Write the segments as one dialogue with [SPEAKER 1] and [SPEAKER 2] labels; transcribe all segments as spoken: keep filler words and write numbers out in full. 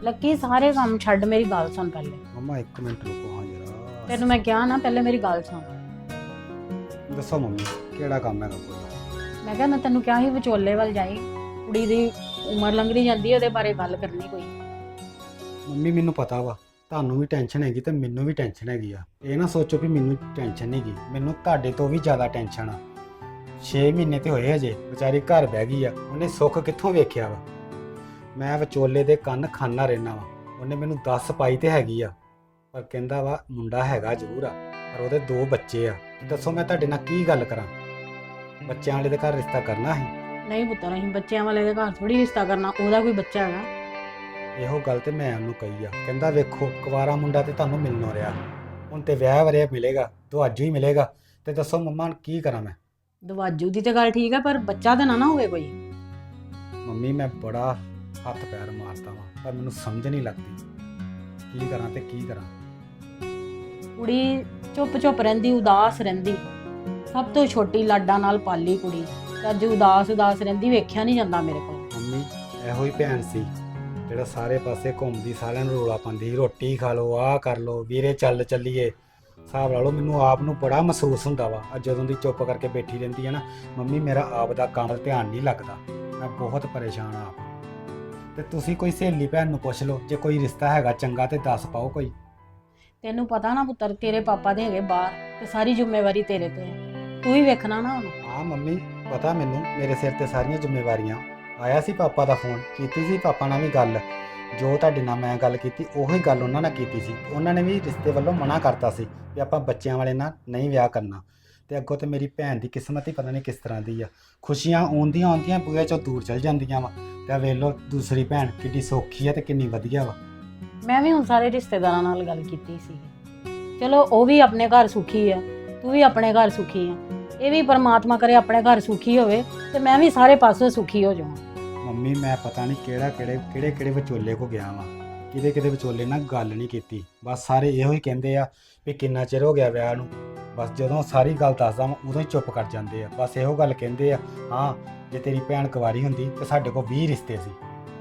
[SPEAKER 1] Lucky ਸਾਰੇ ਕੰਮ ਛੱਡ ਮੇਰੀ ਗੱਲ ਸੁਣ ਪਹਿਲੇ।
[SPEAKER 2] ਮੰਮਾ ਇੱਕ ਮਿੰਟ ਰੁਕੋ ਹਾਂ ਜਰਾ।
[SPEAKER 1] ਤੈਨੂੰ ਮੈਂ ਕਿਹਾ ਨਾ ਪਹਿਲੇ ਮੇਰੀ ਗੱਲ ਸੁਣ।
[SPEAKER 2] ਦੱਸੋ ਮੰਮੀ ਕਿਹੜਾ ਕੰਮ ਹੈਗਾ ਕੋਈ?
[SPEAKER 1] ਮੈਂ ਕਿਹਾ ਮੈਂ ਤੈਨੂੰ ਕਿਹਾ ਸੀ ਵਿਚੋਲੇ ਵੱਲ ਜਾਈ, ਕੁੜੀ ਦੀ ਉਮਰ ਲੰਘਦੀ ਜਾਂਦੀ ਉਹਦੇ ਬਾਰੇ ਗੱਲ ਕਰਨੀ ਕੋਈ।
[SPEAKER 2] ਮੰਮੀ ਮੈਨੂੰ ਪਤਾ ਵਾ ਤੁਹਾਨੂੰ ਵੀ ਟੈਨਸ਼ਨ ਹੈਗੀ ਤੇ ਮੈਨੂੰ ਵੀ ਟੈਨਸ਼ਨ ਹੈਗੀ ਆ। ਇਹ ਨਾ ਸੋਚੋ ਵੀ ਮੈਨੂੰ ਟੈਨਸ਼ਨ ਨਹੀਂ ਗੀ, ਮੈਨੂੰ ਤੁਹਾਡੇ ਤੋਂ ਵੀ ਜ਼ਿਆਦਾ ਟੈਨਸ਼ਨ ਆ। ਛੇ ਮਹੀਨੇ ਤੇ ਹੋਏ ਹਜੇ, ਵਿਚਾਰੀ ਘਰ ਬਹਿ ਗਈ ਆ, ਉਹਨੇ ਸੁੱਖ ਕਿੱਥੋਂ ਵੇਖਿਆ ਵਾ। ਮੈਂ ਵਿਚੋਲੇ ਦੇ ਕੰਨ ਖਾਨਾ ਰਹਿਣਾ ਵਾ। ਉਹਨੇ ਮੈਨੂੰ ਦੱਸ ਪਾਈ ਤੇ ਹੈਗੀ ਆ, ਪਰ ਕਹਿੰਦਾ ਵਾ ਮੁੰਡਾ ਹੈਗਾ ਜ਼ਰੂਰ ਆ, ਪਰ ਉਹਦੇ ਦੋ ਬੱਚੇ ਆ। ਦੱਸੋ ਮੈਂ ਤੁਹਾਡੇ ਨਾਲ ਕੀ ਗੱਲ ਕਰਾਂ? ਬੱਚਿਆਂ ਵਾਲੇ ਦੇ ਘਰ ਰਿਸ਼ਤਾ ਕਰਨਾ ਸੀ?
[SPEAKER 1] ਨਹੀਂ ਪੁੱਤਰ, ਅਸੀਂ ਬੱਚਿਆਂ ਵਾਲੇ ਦੇ ਘਰ ਥੋੜੀ ਰਿਸ਼ਤਾ ਕਰਨਾ, ਉਹਦਾ ਕੋਈ ਬੱਚਾ ਹੈਗਾ।
[SPEAKER 2] ਇਹੋ ਗੱਲ ਤੇ ਮੈਂ ਉਹਨੂੰ ਕਹੀ ਆ। ਕਹਿੰਦਾ ਵੇਖੋ ਕੁਵਾਰਾ ਮੁੰਡਾ ਤੇ ਤੁਹਾਨੂੰ ਮਿਲਣੋਂ ਰਿਹਾ, ਹੁਣ ਤੇ ਵਿਆਹ ਵਰਿਆ ਮਿਲੇਗਾ, ਦਵਾਜੂ ਹੀ ਮਿਲੇਗਾ। ਤੇ ਦੱਸੋ ਮੰਮਾ ਕੀ ਕਰਾਂ ਮੈਂ?
[SPEAKER 1] ਦਵਾਜੂ ਦੀ ਤੇ ਗੱਲ ਠੀਕ ਹੈ, ਪਰ ਬੱਚਾ ਤਾਂ ਨਾ ਨਾ ਹੋਵੇ ਕੋਈ।
[SPEAKER 2] ਮੰਮੀ ਮੈਂ ਬੜਾ ਹੱਥ ਪੈਰ ਮਾਰਦਾ ਵਾਂ, ਪਰ ਮੈਨੂੰ ਸਮਝ ਨਹੀਂ ਲੱਗਦੀ ਕੀ ਕਰਾਂ ਤੇ ਕੀ ਕਰਾਂ।
[SPEAKER 1] ਕੁੜੀ ਚੁੱਪ ਚੁੱਪ ਰਹਿੰਦੀ, ਉਦਾਸ ਰਹਿੰਦੀ, ਸਭ ਤੋਂ ਛੋਟੀ ਲਾਡਾਂ ਨਾਲ ਪਾਲੀ ਕੁੜੀ, ਤੇ ਅੱਜ ਉਦਾਸ ਉਦਾਸ ਰਹਿੰਦੀ, ਵੇਖਿਆ ਨਹੀਂ ਜਾਂਦਾ ਮੇਰੇ ਕੋਲ।
[SPEAKER 2] ਮੰਮੀ ਇਹੋ ਹੀ ਭੈਣ ਸੀ ਜਿਹੜਾ ਸਾਰੇ ਪਾਸੇ ਘੁੰਮਦੀ, ਸਾਰਿਆਂ ਨੂੰ ਰੋਲਾ ਪਾਉਂਦੀ, ਰੋਟੀ ਖਾ ਲਓ, ਆਹ ਕਰ ਲਓ, ਵੀਰੇ ਚੱਲ ਚੱਲੀਏ। ਹਿਸਾਬ ਲਾ ਲਓ ਮੈਨੂੰ ਆਪ ਨੂੰ ਬੜਾ ਮਹਿਸੂਸ ਹੁੰਦਾ ਵਾ। ਅੱਜ ਜਦੋਂ ਦੀ ਚੁੱਪ ਕਰਕੇ ਬੈਠੀ ਰਹਿੰਦੀ ਹੈ ਨਾ ਮੰਮੀ, ਮੇਰਾ ਆਪ ਦਾ ਕੰਮ ਧਿਆਨ ਨਹੀਂ ਲੱਗਦਾ। ਮੈਂ ਬਹੁਤ ਪਰੇਸ਼ਾਨ ਆ। ਤੇ ਤੁਸੀਂ ਕੋਈ ਸਹੇਲੀ ਭੈਣ ਨੂੰ ਪੁੱਛ ਲਓ, ਜੇ ਕੋਈ ਰਿਸ਼ਤਾ ਹੈਗਾ ਚੰਗਾ ਤੇ ਦੱਸ ਪਾਓ ਕੋਈ।
[SPEAKER 1] ਤੈਨੂੰ ਪਤਾ ਨਾ ਪੁੱਤਰ, ਤੇਰੇ ਪਾਪਾ ਦੇ ਹੈਗੇ ਬਾਹਰ, ਤੇ ਸਾਰੀ ਜ਼ਿੰਮੇਵਾਰੀ ਤੇਰੇ ਤੇ ਹੈ, ਤੂੰ ਹੀ ਵੇਖਣਾ ਨਾ ਉਹਨੂੰ।
[SPEAKER 2] ਹਾਂ ਮੰਮੀ ਪਤਾ ਮੈਨੂੰ, ਮੇਰੇ ਸਿਰ ਤੇ ਸਾਰੀਆਂ ਜ਼ਿੰਮੇਵਾਰੀਆਂ। ਆਇਆ ਸੀ ਪਾਪਾ ਦਾ ਫੋਨ, ਕੀਤੀ ਸੀ ਪਾਪਾ ਨਾਲ ਵੀ ਗੱਲ। ਜੋ ਤੁਹਾਡੇ ਨਾਲ ਮੈਂ ਗੱਲ ਕੀਤੀ ਉਹੀ ਗੱਲ ਉਹਨਾਂ ਨਾਲ ਕੀਤੀ ਸੀ। ਉਹਨਾਂ ਨੇ ਵੀ ਰਿਸ਼ਤੇ ਵੱਲੋਂ ਮਨਾ ਕਰਤਾ ਸੀ ਵੀ ਆਪਾਂ ਬੱਚਿਆਂ ਵਾਲੇ ਨਾਲ ਨਹੀਂ ਵਿਆਹ ਕਰਨਾ। ਤੇ ਅੱਗੋਂ ਤੇ ਮੇਰੀ ਭੈਣ ਦੀ ਕਿਸਮਤ ਹੀ ਪਤਾ ਨਹੀਂ ਕਿਸ ਤਰ੍ਹਾਂ ਦੀ ਆ। ਖੁਸ਼ੀਆਂ ਆਉਂਦੀਆਂ ਆਉਂਦੀਆਂ ਬੂਹੇ ਚੋਂ ਦੂਰ ਚਲ ਜਾਂਦੀਆਂ ਵਾ। ਤੇ ਵੇਖ ਲਓ ਦੂਸਰੀ ਭੈਣ ਕਿੰਨੀ ਸੌਖੀ ਆ ਤੇ ਕਿੰਨੀ ਵਧੀਆ ਵਾ।
[SPEAKER 1] ਮੈਂ ਵੀ ਹੁਣ ਸਾਰੇ ਰਿਸ਼ਤੇਦਾਰਾਂ ਨਾਲ ਗੱਲ ਕੀਤੀ ਸੀ, ਚਲੋ ਉਹ ਵੀ ਆਪਣੇ ਘਰ ਸੁਖੀ ਆ, ਤੂੰ ਵੀ ਆਪਣੇ ਘਰ ਸੁਖੀ ਆ। ਇਹ ਵੀ ਪਰਮਾਤਮਾ ਕਰੇ ਆਪਣੇ ਘਰ ਸੁਖੀ ਹੋਵੇ ਤੇ ਮੈਂ ਵੀ ਸਾਰੇ ਪਾਸੋਂ ਸੁਖੀ ਹੋ ਜਾਵਾਂ।
[SPEAKER 2] ਮੰਮੀ ਮੈਂ ਪਤਾ ਨਹੀਂ ਕਿਹੜਾ ਕਿਹੜੇ ਕਿਹੜੇ ਕਿਹੜੇ ਵਿਚੋਲੇ ਕੋ ਗਿਆ ਵਾਂ, ਕਿਹਦੇ ਕਿਹਦੇ ਵਿਚੋਲੇ ਨਾਲ ਗੱਲ ਨਹੀਂ ਕੀਤੀ। ਬਸ ਸਾਰੇ ਇਹੋ ਹੀ ਕਹਿੰਦੇ ਆ ਵੀ ਕਿੰਨਾ ਚਿਰ ਹੋ ਗਿਆ ਵਿਆਹ ਨੂੰ। ਬਸ ਜਦੋਂ ਸਾਰੀ ਗੱਲ ਦੱਸਦਾ ਵਾਂ ਉਦੋਂ ਹੀ ਚੁੱਪ ਕਰ ਜਾਂਦੇ ਆ। ਬਸ ਇਹੋ ਗੱਲ ਕਹਿੰਦੇ ਆ, ਹਾਂ ਜੇ ਤੇਰੀ ਭੈਣ ਕੁਵਾਰੀ ਹੁੰਦੀ ਤੇ ਸਾਡੇ ਕੋਲ ਵੀਹ ਰਿਸ਼ਤੇ ਸੀ।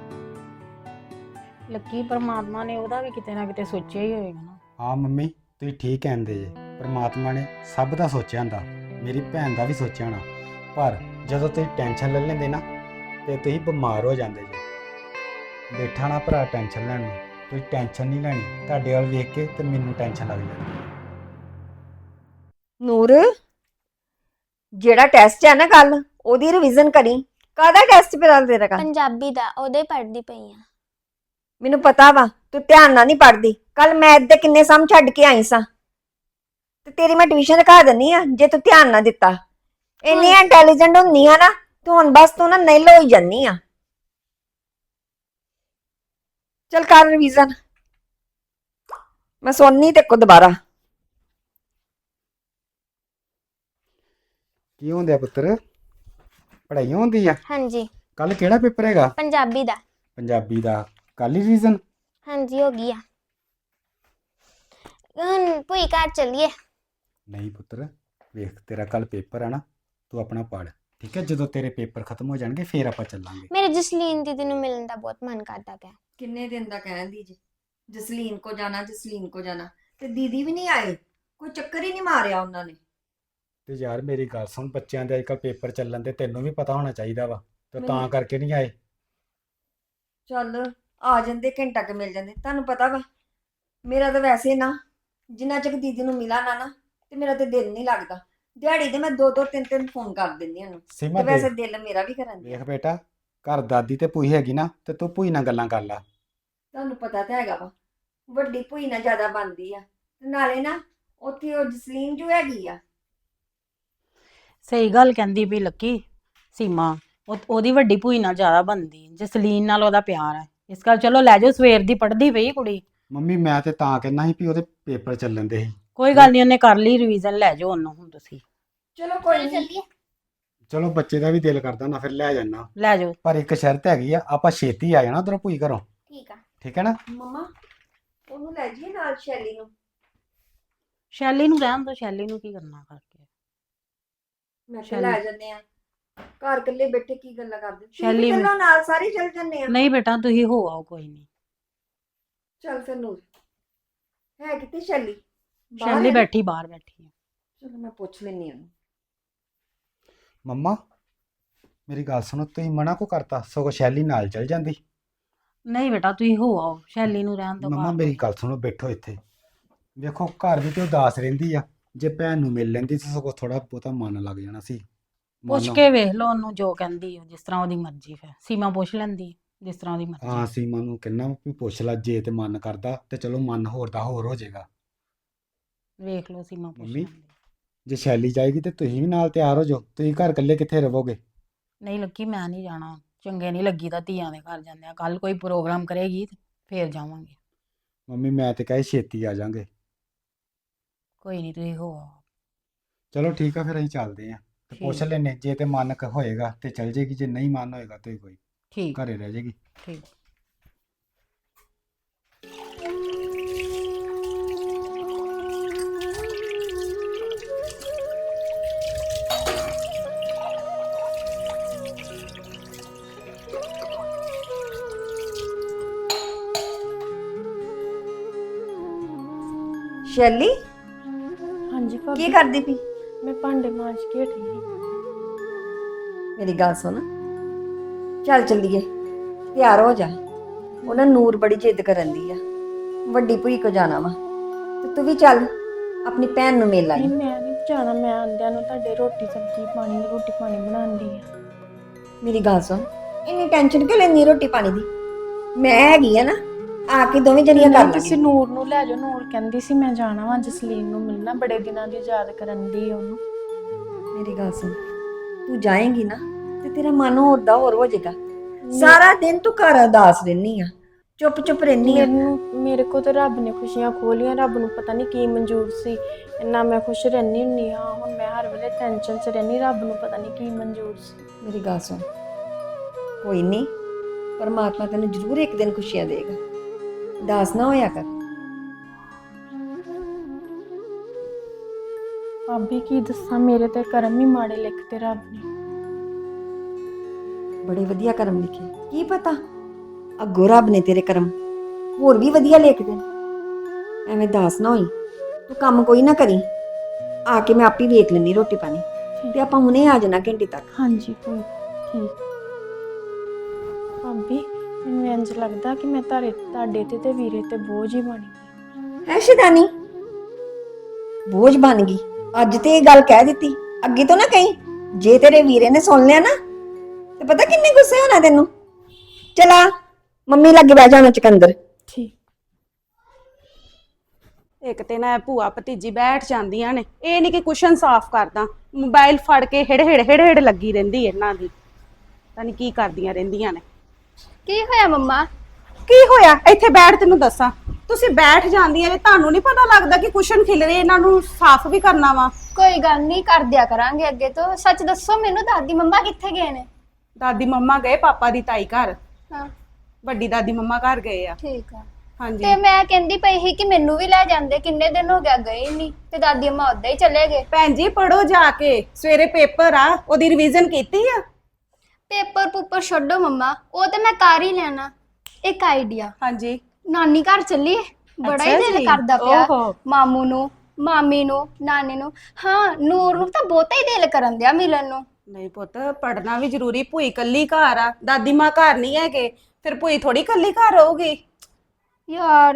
[SPEAKER 1] ਲੱਕੀ ਪਰਮਾਤਮਾ ਨੇ ਉਹਦਾ ਵੀ ਕਿਤੇ ਨਾ ਕਿਤੇ ਸੋਚਿਆ ਹੀ ਹੋਏਗਾ ਨਾ।
[SPEAKER 2] ਹਾਂ ਮੰਮੀ ਤੁਸੀਂ ਠੀਕ ਕਹਿੰਦੇ ਜੇ, ਪਰਮਾਤਮਾ ਨੇ ਸਭ ਦਾ ਸੋਚਿਆ ਹੁੰਦਾ, ਮੇਰੀ ਭੈਣ ਦਾ ਵੀ ਸੋਚਿਆ ਹੋਣਾ। ਪਰ ਜਦੋਂ ਤੁਸੀਂ ਟੈਨਸ਼ਨ ਲੈ ਲੈਂਦੇ ਨਾ ਤੇ ਤੁਸੀਂ ਬਿਮਾਰ ਹੋ ਜਾਂਦੇ ਜੇ। ਬੈਠਾ ਨਾ ਭਰਾ ਟੈਨਸ਼ਨ ਲੈਣ ਨੂੰ, ਤੁਸੀਂ ਟੈਨਸ਼ਨ ਨਹੀਂ ਲੈਣੀ। ਤੁਹਾਡੇ ਵੱਲ ਵੇਖ ਕੇ ਤੇ ਮੈਨੂੰ ਟੈਨਸ਼ਨ ਲੱਗ ਜਾਂਦੀ ਹੈ।
[SPEAKER 3] ਨੂਰ, ਜਿਹੜਾ ਟੈਸਟ ਹੈ ਨਾ ਕੱਲ, ਉਹਦੀ ਰਿਵੀਜ਼ਨ ਕਰੀ। ਕਾਹਦਾ ਟੈਸਟ ਪਿਆ ਤੇਰਾ ਕੱਲ?
[SPEAKER 4] ਪੰਜਾਬੀ ਦਾ, ਉਹਦੇ ਪੜ੍ਹਦੀ ਪਈ ਆ।
[SPEAKER 3] ਮੈਨੂੰ ਪਤਾ ਵਾ ਤੂੰ ਧਿਆਨ ਨਾਲ ਨਹੀਂ ਪੜ੍ਹਦੀ। ਕੱਲ ਮੈਥ ਦੇ ਕਿੰਨੇ ਸਮ ਛੱਡ ਕੇ ਆਈ ਸਾਂ, ਤੇ ਤੇਰੀ ਮੈਂ ਟਿਊਸ਼ਨ ਰਖਾ ਦਿੰਨੀ ਆ ਜੇ ਤੂੰ ਧਿਆਨ ਨਾ ਦਿੱਤਾ। ਇੰਨੀ ਇੰਟੈਲੀਜੈਂਟ ਹੁੰਨੀ ਆ ਨਾ ਤੂੰ, ਹੁਣ ਬਸ ਤੂੰ ਨਾ ਨਿਲ ਹੋਈ ਜਾਨੀ ਆ। ਚਲ ਕਰ ਰਿਵੀਜ਼ਨ, ਮੈਂ ਸੁਣਨੀ ਤੇ ਕੋ ਦੁਬਾਰਾ।
[SPEAKER 2] ਕੀ ਹੁੰਦਿਆ ਪੁੱਤਰ? ਪੜ੍ਹਾਈ ਹੁੰਦੀ ਆ?
[SPEAKER 4] ਹਾਂਜੀ,
[SPEAKER 2] ਕੱਲ ਕਿਹੜਾ ਪੇਪਰ ਹੈਗਾ?
[SPEAKER 4] ਪੰਜਾਬੀ ਦਾ।
[SPEAKER 2] ਪੰਜਾਬੀ ਦਾ। ਕੱਲ ਹੀ ਰਿਵੀਜ਼ਨ?
[SPEAKER 4] ਹਾਂਜੀ ਹੋ ਗਈ ਆ। ਹੁਣ ਭੂਈ ਘਰ ਚੱਲੀਏ।
[SPEAKER 2] ਨਹੀਂ ਪੁੱਤਰ, ਵੇਖ ਤੇਰਾ ਕੱਲ ਪੇਪਰ ਆ ਨਾ, ਤੂੰ ਆਪਣਾ ਪੜ੍ਹ ਠੀਕ ਹੈ। ਜਦੋਂ ਤੇਰੇ ਪੇਪਰ ਖਤਮ ਹੋ ਜਾਣਗੇ ਫੇਰ ਆਪਾਂ ਚੱਲਾਂਗੇ।
[SPEAKER 4] ਮੇਰੇ ਜਸਲੀਨ ਦੀਦੀ ਨੂੰ ਮਿਲਣ ਦਾ ਬਹੁਤ ਮਨ ਕਰਦਾ ਪਿਆ।
[SPEAKER 3] ਕਿੰਨੇ ਦਿਨ ਦਾ ਕਹਿੰਦੀ ਜੀ ਜਸਲੀਨ ਕੋ ਜਾਣਾ, ਜਸਲੀਨ ਕੋ ਜਾਣਾ, ਤੇ ਦੀਦੀ ਵੀ ਨਹੀਂ ਆਏ। ਕੋਈ ਚੱਕਰ ਹੀ ਨਹੀਂ ਮਾਰਿਆ ਉਹਨਾਂ ਨੇ।
[SPEAKER 2] ਤੇ ਯਾਰ ਮੇਰੀ ਗੱਲ ਸੁਣ, ਬੱਚਿਆਂ ਦੇ ਅੱਜਕੱਲ ਪੇਪਰ ਚੱਲਣ ਦੇ ਤੈਨੂੰ ਵੀ ਪਤਾ ਹੋਣਾ ਚਾਹੀਦਾ ਵਾ, ਤੇ ਤਾਂ
[SPEAKER 3] ਮੈਨੂੰ-
[SPEAKER 2] ਕਰਕੇ ਨਹੀਂ ਆਏ।
[SPEAKER 3] ਚੱਲ ਆ ਜਾਂਦੇ, ਘੰਟਾ ਕੁ ਮਿਲ ਜਾਂਦੇ। ਤੁਹਾਨੂੰ ਪਤਾ ਵਾ ਮੇਰਾ ਤਾਂ ਵੈਸੇ ਨਾ ਜਿੰਨਾ ਚਿਰ ਦੀਦੀ ਨੂੰ ਮਿਲਾ ਨਾ ਨਾ ਤੇ ਮੇਰਾ ਤੇ ਦਿਲ ਨਹੀਂ ਲੱਗਦਾ। ਦਿਹਾੜੀ ਦੇ ਮੈਂ ਦੋ ਦੋ ਤਿੰਨ ਤਿੰਨ ਫੋਨ ਕਰ ਦਿੰਦੀ ਉਹਨੂੰ,
[SPEAKER 2] ਸੀਮਾ
[SPEAKER 3] ਤੇ ਵੈਸੇ
[SPEAKER 2] ਦੇਖ
[SPEAKER 3] ਦਿਲ ਮੇਰਾ ਵੀ ਕਰਨ ਦਿਆ।
[SPEAKER 2] ਵੇਖ ਬੇਟਾ, ਘਰ ਦਾਦੀ ਤੇ ਭੂਈ ਹੈਗੀ ਨਾ, ਤੇ ਤੂੰ ਭੂਈ ਨਾਲ ਗੱਲਾਂ ਕਰ ਲੈ।
[SPEAKER 3] ਤੁਹਾਨੂੰ ਪਤਾ ਤਾਂ ਹੈਗਾ ਵਾ ਵੱਡੀ ਭੂਈ ਨਾਲ ਜ਼ਿਆਦਾ ਬਣਦੀ ਆ, ਤੇ ਨਾਲੇ ਨਾ ਉੱਥੇ ਉਹ ਜਸਲੀਨ ਜੋ ਹੈਗੀ ਆ।
[SPEAKER 1] ਸਹੀ ਗੱਲ ਕਹਿੰਦੀ ਵੀ ਲੱਕੀ ਸੀਮਾ, ਉਹ ਉਹਦੀ ਵੱਡੀ ਭੂਈ ਨਾਲ ਜ਼ਿਆਦਾ ਬਣਦੀ, ਜਸਲੀਨ ਨਾਲ ਉਹਦਾ ਪਿਆਰ ਹੈ। ਇਸ ਕਰਕੇ ਚਲੋ ਲੈ ਜਾਓ, ਸਵੇਰ ਦੀ ਪੜ੍ਹਦੀ ਪਈ ਕੁੜੀ।
[SPEAKER 2] ਮੰਮੀ ਮੈਂ ਤੇ ਤਾਂ ਕਹਿੰਦਾ ਸੀ ਵੀ ਉਹਦੇ ਪੇਪਰ ਚੱਲਣ ਦੇ ਸੀ।
[SPEAKER 1] ਕੋਈ ਗੱਲ ਨਹੀਂ, ਉਹਨੇ ਕਰ ਲਈ ਰਿਵੀਜ਼ਨ, ਲੈ ਜਾਓ ਉਹਨੂੰ ਹੁਣ ਤੁਸੀਂ।
[SPEAKER 3] ਚਲੋ ਕੋਈ ਨਹੀਂ,
[SPEAKER 4] ਚੱਲੀਏ।
[SPEAKER 2] ਚਲੋ ਬੱਚੇ ਦਾ ਵੀ ਦਿਲ ਕਰਦਾ ਨਾ, ਫਿਰ ਲੈ ਜਾਣਾ।
[SPEAKER 1] ਲੈ ਜਾਓ।
[SPEAKER 2] ਪਰ ਇੱਕ ਸ਼ਰਤ ਹੈਗੀ ਆ, ਆਪਾਂ ਛੇਤੀ ਆ ਜਾਣਾ ਉਧਰੋਂ ਭੂਈ ਘਰੋਂ,
[SPEAKER 4] ਠੀਕ ਆ।
[SPEAKER 2] ਠੀਕ ਹੈ ਨਾ?
[SPEAKER 3] ਮਮਾ ਉਹਨੂੰ ਲੈ ਜਾਈਏ ਨਾਲ, ਸ਼ੈਲੀ ਨੂੰ।
[SPEAKER 1] ਸ਼ੈਲੀ ਨੂੰ ਰਹਿਣ ਦੋ, ਸ਼ੈਲੀ ਨੂੰ ਕੀ ਕਰਨਾ ਕਰਕੇ।
[SPEAKER 3] ਮੈਂ ਕਿਹਾ
[SPEAKER 1] ਸ਼ੈਲੀ-
[SPEAKER 3] ਲੈ ਜੰਨੇ ਆ, ਘਰ ਇਕੱਲੇ ਬੈਠੇ ਕੀ ਗੱਲਾਂ ਕਰਦੇ।
[SPEAKER 1] ਸ਼ੈਲੀ-
[SPEAKER 3] ਚਲੋ ਨਾਲ ਸਾਰੇ ਚੱਲ ਜੰਨੇ ਆ।
[SPEAKER 1] ਨਹੀਂ ਬੇਟਾ ਤੁਸੀਂ ਹੋ ਆਓ, ਕੋਈ ਨਹੀਂ।
[SPEAKER 3] ਚੱਲ ਫਿਰ ਨੂਰ ਹੈ ਕਿੱਥੇ ਸ਼ੈਲੀ? ਬਾਹਰ
[SPEAKER 1] ਸ਼ੈਲੀ
[SPEAKER 3] ਹੈ ਨਾ?
[SPEAKER 1] ਬੈਠੀ ਬਾਹਰ ਬੈਠੀ ਹੈ।
[SPEAKER 3] ਚਲੋ ਮੈਂ ਪੁੱਛ ਲੈਣੀ ਉਹਨੂੰ।
[SPEAKER 2] ਮੰਮਾ ਮੇਰੀ ਗੱਲ ਸੁਣੋ, ਤੁਸੀਂ ਮਨਾ ਕੋ ਕਰਤਾ, ਸਗੋਂ ਸ਼ੈਲੀ ਨਾਲ ਚਲ ਜਾਂਦੀ।
[SPEAKER 1] ਨਹੀਂ ਬੇਟਾ ਤੁਸੀਂ ਹੋ ਆਓ, ਸ਼ੈਲੀ ਨੂੰ ਰਹਿਣ ਦਿਓ
[SPEAKER 2] ਮੰਮਾ
[SPEAKER 1] ਘਰ।
[SPEAKER 2] ਮੇਰੀ ਗੱਲ ਸੁਣੋ, ਬੈਠੋ ਇੱਥੇ। ਵੇਖੋ ਘਰ ਵੀ ਤੇ ਉਦਾਸ ਰਹਿੰਦੀ ਆ, ਜੇ ਭੈਣ ਨੂੰ ਮਿਲ ਲੈਂਦੀ ਤਾਂ ਸਗੋਂ ਥੋੜਾ ਬਹੁਤਾ ਮਨ ਲੱਗ ਜਾਣਾ ਸੀ।
[SPEAKER 1] ਪੁੱਛ
[SPEAKER 2] ਮਨ
[SPEAKER 1] ਕੇ ਵੇਖ ਲਓ ਉਹਨੂੰ, ਜੋ ਕਹਿੰਦੀ ਹੈ ਜਿਸ ਤਰ੍ਹਾਂ ਉਹਦੀ ਮਰਜ਼ੀ। ਫਿਰ ਸੀਮਾ ਪੁੱਛ ਲੈਂਦੀ ਜਿਸ ਤਰ੍ਹਾਂ ਉਹਦੀ
[SPEAKER 2] ਹਾਂ
[SPEAKER 1] ਮਰਜ਼ੀ।
[SPEAKER 2] ਸੀਮਾ ਨੂੰ ਕਹਿਣਾ ਵੀ ਪੁੱਛ ਲੈ, ਜੇ ਤੇ ਮਨ ਕਰਦਾ ਤੇ ਚਲੋ ਮਨ ਹੋਰ ਦਾ ਹੋਰ ਹੋ ਜਾਏਗਾ।
[SPEAKER 1] ਵੇਖ ਲਓ ਸੀਮਾ ਪੁੱਛ
[SPEAKER 2] ਮੰਮੀ
[SPEAKER 1] ਲੈਂਦੀ।
[SPEAKER 2] ਜੇ ਸ਼ੈਲੀ ਜਾਏਗੀ ਤੇ ਤੁਸੀਂ ਵੀ ਨਾਲ ਤਿਆਰ ਹੋ ਜਾਓ, ਤੁਸੀਂ ਘਰ ਇਕੱਲੇ ਕਿੱਥੇ ਰਹੋਗੇ?
[SPEAKER 1] ਨਹੀਂ ਲੱਗੀ, ਮੈਂ ਨਹੀਂ ਜਾਣਾ, ਚੰਗੇ ਨਹੀਂ ਲੱਗੀ ਤਾਂ ਧੀਆਂ ਦੇ ਘਰ ਜਾਂਦੇ ਆ। ਕੱਲ ਕੋਈ ਪ੍ਰੋਗਰਾਮ ਕਰੇਗੀ ਤੇ ਫੇਰ ਜਾਵਾਂਗੇ।
[SPEAKER 2] ਮੰਮੀ ਮੈਂ ਤੇ ਕਹੇ ਛੇਤੀ ਆ ਜਾਾਂਗੇ।
[SPEAKER 1] ਕੋਈ ਨਹੀਂ ਤੁਸੀਂ ਹੋ ਆਓ।
[SPEAKER 2] ਚਲੋ ਠੀਕ ਆ, ਫਿਰ ਅਸੀਂ ਚੱਲਦੇ ਆਂ ਤੇ ਪੁੱਛ
[SPEAKER 1] ਠੀਕ
[SPEAKER 2] ਲੈਨੇ, ਜੇ ਤੇ ਮਨ ਕ ਹੋਏਗਾ ਤੇ ਚਲ ਜੇਗੀ, ਜੇ ਨਹੀਂ ਮਨ ਹੋਏਗਾ ਤੇ ਕੋਈ
[SPEAKER 1] ਠੀਕ
[SPEAKER 2] ਘਰੇ ਰਹਿ ਜਾਏਗੀ।
[SPEAKER 1] ਠੀਕ।
[SPEAKER 3] ਸ਼ੈਲੀ
[SPEAKER 5] ਹਾਂਜੀ
[SPEAKER 3] ਕੀ
[SPEAKER 5] ਭਾਬੀ,
[SPEAKER 3] ਕਰਦੀ ਪਈ?
[SPEAKER 5] ਮੈਂ ਭਾਂਡੇ ਮਾਂਜ ਕੇ ਹਟੀ ਸੀ।
[SPEAKER 3] ਮੇਰੀ ਗੱਲ ਸੁਣ, ਚੱਲ ਚੱਲੀਏ, ਤਿਆਰ ਹੋ ਜਾ। ਉਹਨਾਂ ਨੂਰ ਬੜੀ ਜਿੱਦ ਕਰਨ ਦੀ ਆ, ਵੱਡੀ ਭੂਈ ਕੋ ਜਾਣਾ ਵਾ, ਤੇ ਤੂੰ ਵੀ ਚੱਲ ਆਪਣੀ ਭੈਣ ਨੂੰ ਮਿਲ ਆਈ।
[SPEAKER 5] ਨਹੀਂ ਮੈਂ ਨਹੀਂ ਜਾਣਾ, ਮੈਂ ਆਂਦਿਆਂ ਨੂੰ ਤੁਹਾਡੇ ਰੋਟੀ ਸਬਜ਼ੀ ਪਾਣੀ ਰੋਟੀ ਪਾਣੀ ਬਣਾਉਂਦੀ ਆ।
[SPEAKER 3] ਮੇਰੀ ਗੱਲ ਸੁਣ, ਇੰਨੀ ਟੈਨਸ਼ਨ ਕਿਉਂ ਲੈਂਦੀ ਰੋਟੀ ਪਾਣੀ ਦੀ? ਮੈਂ ਹੈਗੀ ਆ ਨਾ, ਆ ਕੇ ਦੋਵੇਂ ਜਣੀਆਂ ਕਰ
[SPEAKER 5] ਨਹੀਂ, ਤੁਸੀਂ
[SPEAKER 3] ਲਾਂਗੇ।
[SPEAKER 5] ਨੂਰ ਨੂੰ ਲੈ ਜਾਓ, ਨੂਰ ਕਹਿੰਦੀ ਸੀ ਮੈਂ ਜਾਣਾ ਵਾ ਜਸਲੀਨ ਨੂੰ ਮਿਲਣਾ, ਬੜੇ ਦਿਨਾਂ ਦੀ ਯਾਦ ਕਰਨ ਦੀ ਉਹਨੂੰ।
[SPEAKER 3] ਮੇਰੀ ਗੱਲ ਸੁਣ, ਤੂੰ ਜਾਏਂਗੀ ਨਾ ਤੇ ਤੇਰਾ ਮਨ ਹੋਰ ਦਾ ਹੋਰ ਹੋ ਜਾਏਗਾ। ਸਾਰਾ ਦਿਨ ਤੂੰ ਘਰ ਉਦਾਸ ਰਹਿਨੀ ਆ, ਚੁੱਪ ਚੁੱਪ ਰਹਿਨੀ ਆ।
[SPEAKER 5] ਮੈਨੂੰ ਮੇਰੇ ਕੋ ਤਾਂ ਰੱਬ ਨੇ ਖੁਸ਼ੀਆਂ ਖੋਲੀਆਂ, ਰੱਬ ਨੂੰ ਪਤਾ ਨਹੀਂ ਕੀ ਮਨਜ਼ੂਰ ਸੀ, ਇੰਨਾ ਮੈਂ ਖੁਸ਼ ਰਹਿਨੀ ਹੁੰਨੀ ਆ। ਹੁਣ ਮੈਂ ਹਰ ਵੇਲੇ ਟੈਨਸ਼ਨ 'ਚ ਰਹਿਨੀ, ਰੱਬ ਨੂੰ ਪਤਾ ਨਹੀਂ ਕੀ ਮਨਜ਼ੂਰ ਸੀ।
[SPEAKER 3] ਮੇਰੀ ਗੱਲ ਸੁਣ, ਕੋਈ ਨਹੀਂ, ਪਰਮਾਤਮਾ ਤੈਨੂੰ ਜ਼ਰੂਰ ਇੱਕ ਦਿਨ ਖੁਸ਼ੀਆਂ ਦੇਗਾ, ਉਦਾਸ ਨਾ ਹੋਇਆ ਕਰ।
[SPEAKER 5] ਭਾਬੀ ਕੀ ਦੱਸਾਂ, ਮੇਰੇ ਤੇ ਕਰਮ ਹੀ ਮਾੜੇ ਲਿਖਤੇ ਰੱਬ ਨੇ।
[SPEAKER 3] ਬੜੇ ਵਧੀਆ ਕਰਮ ਲਿਖੇ, ਕੀ ਪਤਾ ਅੱਗੋਂ ਰੱਬ ਨੇ ਤੇਰੇ ਕਰਮ ਹੋਰ ਵੀ ਵਧੀਆ ਲਿਖ ਦੇਣ। ਐਵੇਂ ਦਾਸ ਨਾ ਹੋਈ, ਤੂੰ ਕੰਮ ਕੋਈ ਨਾ ਕਰੀ, ਆ ਕੇ ਮੈਂ ਆਪੇ ਵੇਖ ਲੈਣੀ ਰੋਟੀ ਪਾਣੀ, ਤੇ ਆਪਾਂ ਹੁਣੇ ਆ ਜਾਣਾ ਘੰਟੇ ਤੱਕ।
[SPEAKER 5] ਹਾਂਜੀ ਕੋਈ ਠੀਕ। ਭਾਬੀ ਮੈਨੂੰ ਇੰਝ ਲੱਗਦਾ ਕਿ ਮੈਂ ਤਾਰੇ ਤੁਹਾਡੇ ਤੇ ਤੇ ਵੀਰੇ ਤੇ ਬੋਝ ਹੀ ਬਣ ਗਈ।
[SPEAKER 3] ਹੈ ਸ਼ੈਤਾਨੀ, ਬੋਝ ਬਣ ਗਈ? ਅੱਜ ਤੇ ਇਹ ਗੱਲ ਕਹਿ ਦਿੱਤੀ, ਅੱਗੇ ਤੋਂ ਨਾ ਕਹੀਂ। ਜੇ ਤੇਰੇ ਵੀਰੇ ਨੇ ਸੁਣ ਲਿਆ ਨਾ ਤੇ ਪਤਾ ਕਿੰਨੇ ਗੁੱਸੇ ਹੋਣਾ ਤੈਨੂੰ। ਚਲਾ ਮੰਮੀ ਲੱਗੇ ਬਹਿ ਜਾਣਾ ਚਕੰਦਰ।
[SPEAKER 5] ਠੀਕ।
[SPEAKER 6] ਇੱਕ ਤੇ ਨਾ ਭੂਆ ਭਤੀਜੀ ਬੈਠ ਜਾਂਦੀਆਂ ਨੇ, ਇਹ ਨਹੀਂ ਕਿ ਕੁਸ਼ਨ ਸਾਫ਼ ਕਰਦਾ, ਮੋਬਾਈਲ ਫੜ ਕੇ ਹਿੜ ਹਿੜ ਹਿੜ ਹਿੜ ਲੱਗੀ ਰਹਿੰਦੀ ਇਹਨਾਂ ਦੀ, ਪਤਾ ਨਹੀਂ ਕੀ ਕਰਦੀਆਂ ਰਹਿੰਦੀਆਂ ਨੇ।
[SPEAKER 4] ਕੀ ਹੋਇਆ ਮੰਮਾ?
[SPEAKER 6] ਕੀ ਹੋਇਆ? ਇੱਥੇ ਬੈਠ, ਤੈਨੂੰ ਦੱਸਾਂ। ਤੁਸੀਂ ਬੈਠ ਜਾਂਦੀਆਂ ਨੇ, ਤੁਹਾਨੂੰ ਨਹੀਂ ਪਤਾ ਲੱਗਦਾ ਕਿ ਕੁਸ਼ਨ ਖਿਲ ਰਹੇ, ਇਹਨਾਂ ਨੂੰ ਸਾਫ਼ ਵੀ ਕਰਨਾ ਵਾ।
[SPEAKER 4] ਕੋਈ ਗੱਲ ਨਹੀਂ, ਕਰ ਦਿਆ ਕਰਾਂਗੇ ਅੱਗੇ ਤੋਂ। ਸੱਚ ਦੱਸੋ ਮੈਨੂੰ, ਦਾਦੀ ਮੰਮਾ ਕਿੱਥੇ ਗਏ ਨੇ?
[SPEAKER 6] ਦਾਦੀ ਮੰਮਾ ਗਏ ਪਾਪਾ ਦੀ ਤਾਈ ਘਰ,
[SPEAKER 4] ਹਾਂ
[SPEAKER 6] ਵੱਡੀ ਦਾਦੀ ਮੰਮਾ ਘਰ ਗਏ ਆ।
[SPEAKER 4] ਠੀਕ ਆ।
[SPEAKER 6] ਹਾਂਜੀ
[SPEAKER 4] ਤੇ ਮੈਂ ਕਹਿੰਦੀ ਪਈ ਸੀ ਕਿ ਮੈਨੂੰ ਵੀ ਲੈ ਜਾਂਦੇ, ਕਿੰਨੇ ਦਿਨ ਹੋ ਗਿਆ ਗਏ ਨਹੀਂ, ਤੇ ਦਾਦੀ ਅੰਮਾ ਉਦਾਂ ਹੀ ਚਲੇ ਗਏ।
[SPEAKER 6] ਭੈਣ ਜੀ ਪੜੋ ਜਾ ਕੇ, ਸਵੇਰੇ ਪੇਪਰ ਆ, ਉਹਦੀ ਰਿਵੀਜ਼ਨ ਕੀਤੀ ਆ?
[SPEAKER 4] ਪੇਪਰ ਪੂਪਰ ਛੱਡੋ ਮੰਮਾ, ਉਹ ਤੇ ਮੈਂ ਕਰ ਹੀ ਲੈਣਾ। ਇੱਕ ਆਈਡੀਆ,
[SPEAKER 6] ਹਾਂਜੀ
[SPEAKER 4] ਨਾਨੀ ਘਰ ਚੱਲੀਏ, ਬੜਾ ਹੀ
[SPEAKER 6] ਅੱਛਾ
[SPEAKER 4] ਦਿਲ
[SPEAKER 6] ਜੀ।
[SPEAKER 4] ਕਰਦਾ ਪਿਆ।
[SPEAKER 6] ਓਹੋ।
[SPEAKER 4] ਮਾਮੂ ਨੂੰ, ਮਾਮੀ ਨੂੰ, ਨਾਨੀ ਨੂੰ, ਹਾਂ ਨੂਰ ਨੂੰ ਤਾਂ ਬਹੁਤਾ ਹੀ ਦਿਲ ਕਰਨ ਦਿਆ ਮਿਲਣ ਨੂੰ।
[SPEAKER 6] ਨਹੀਂ ਪੁੱਤ, ਪੜਨਾ ਵੀ ਜ਼ਰੂਰੀ। ਭੂਈ ਕੱਲੀ ਘਰ ਆ, ਦਾਦੀ ਮਾਂ ਘਰ ਨਹੀਂ ਹੈਗੇ, ਫਿਰ ਭੂਈ ਥੋੜੀ ਕੱਲੀ ਘਰ ਰਹੂਗੀ।
[SPEAKER 4] ਯਾਰ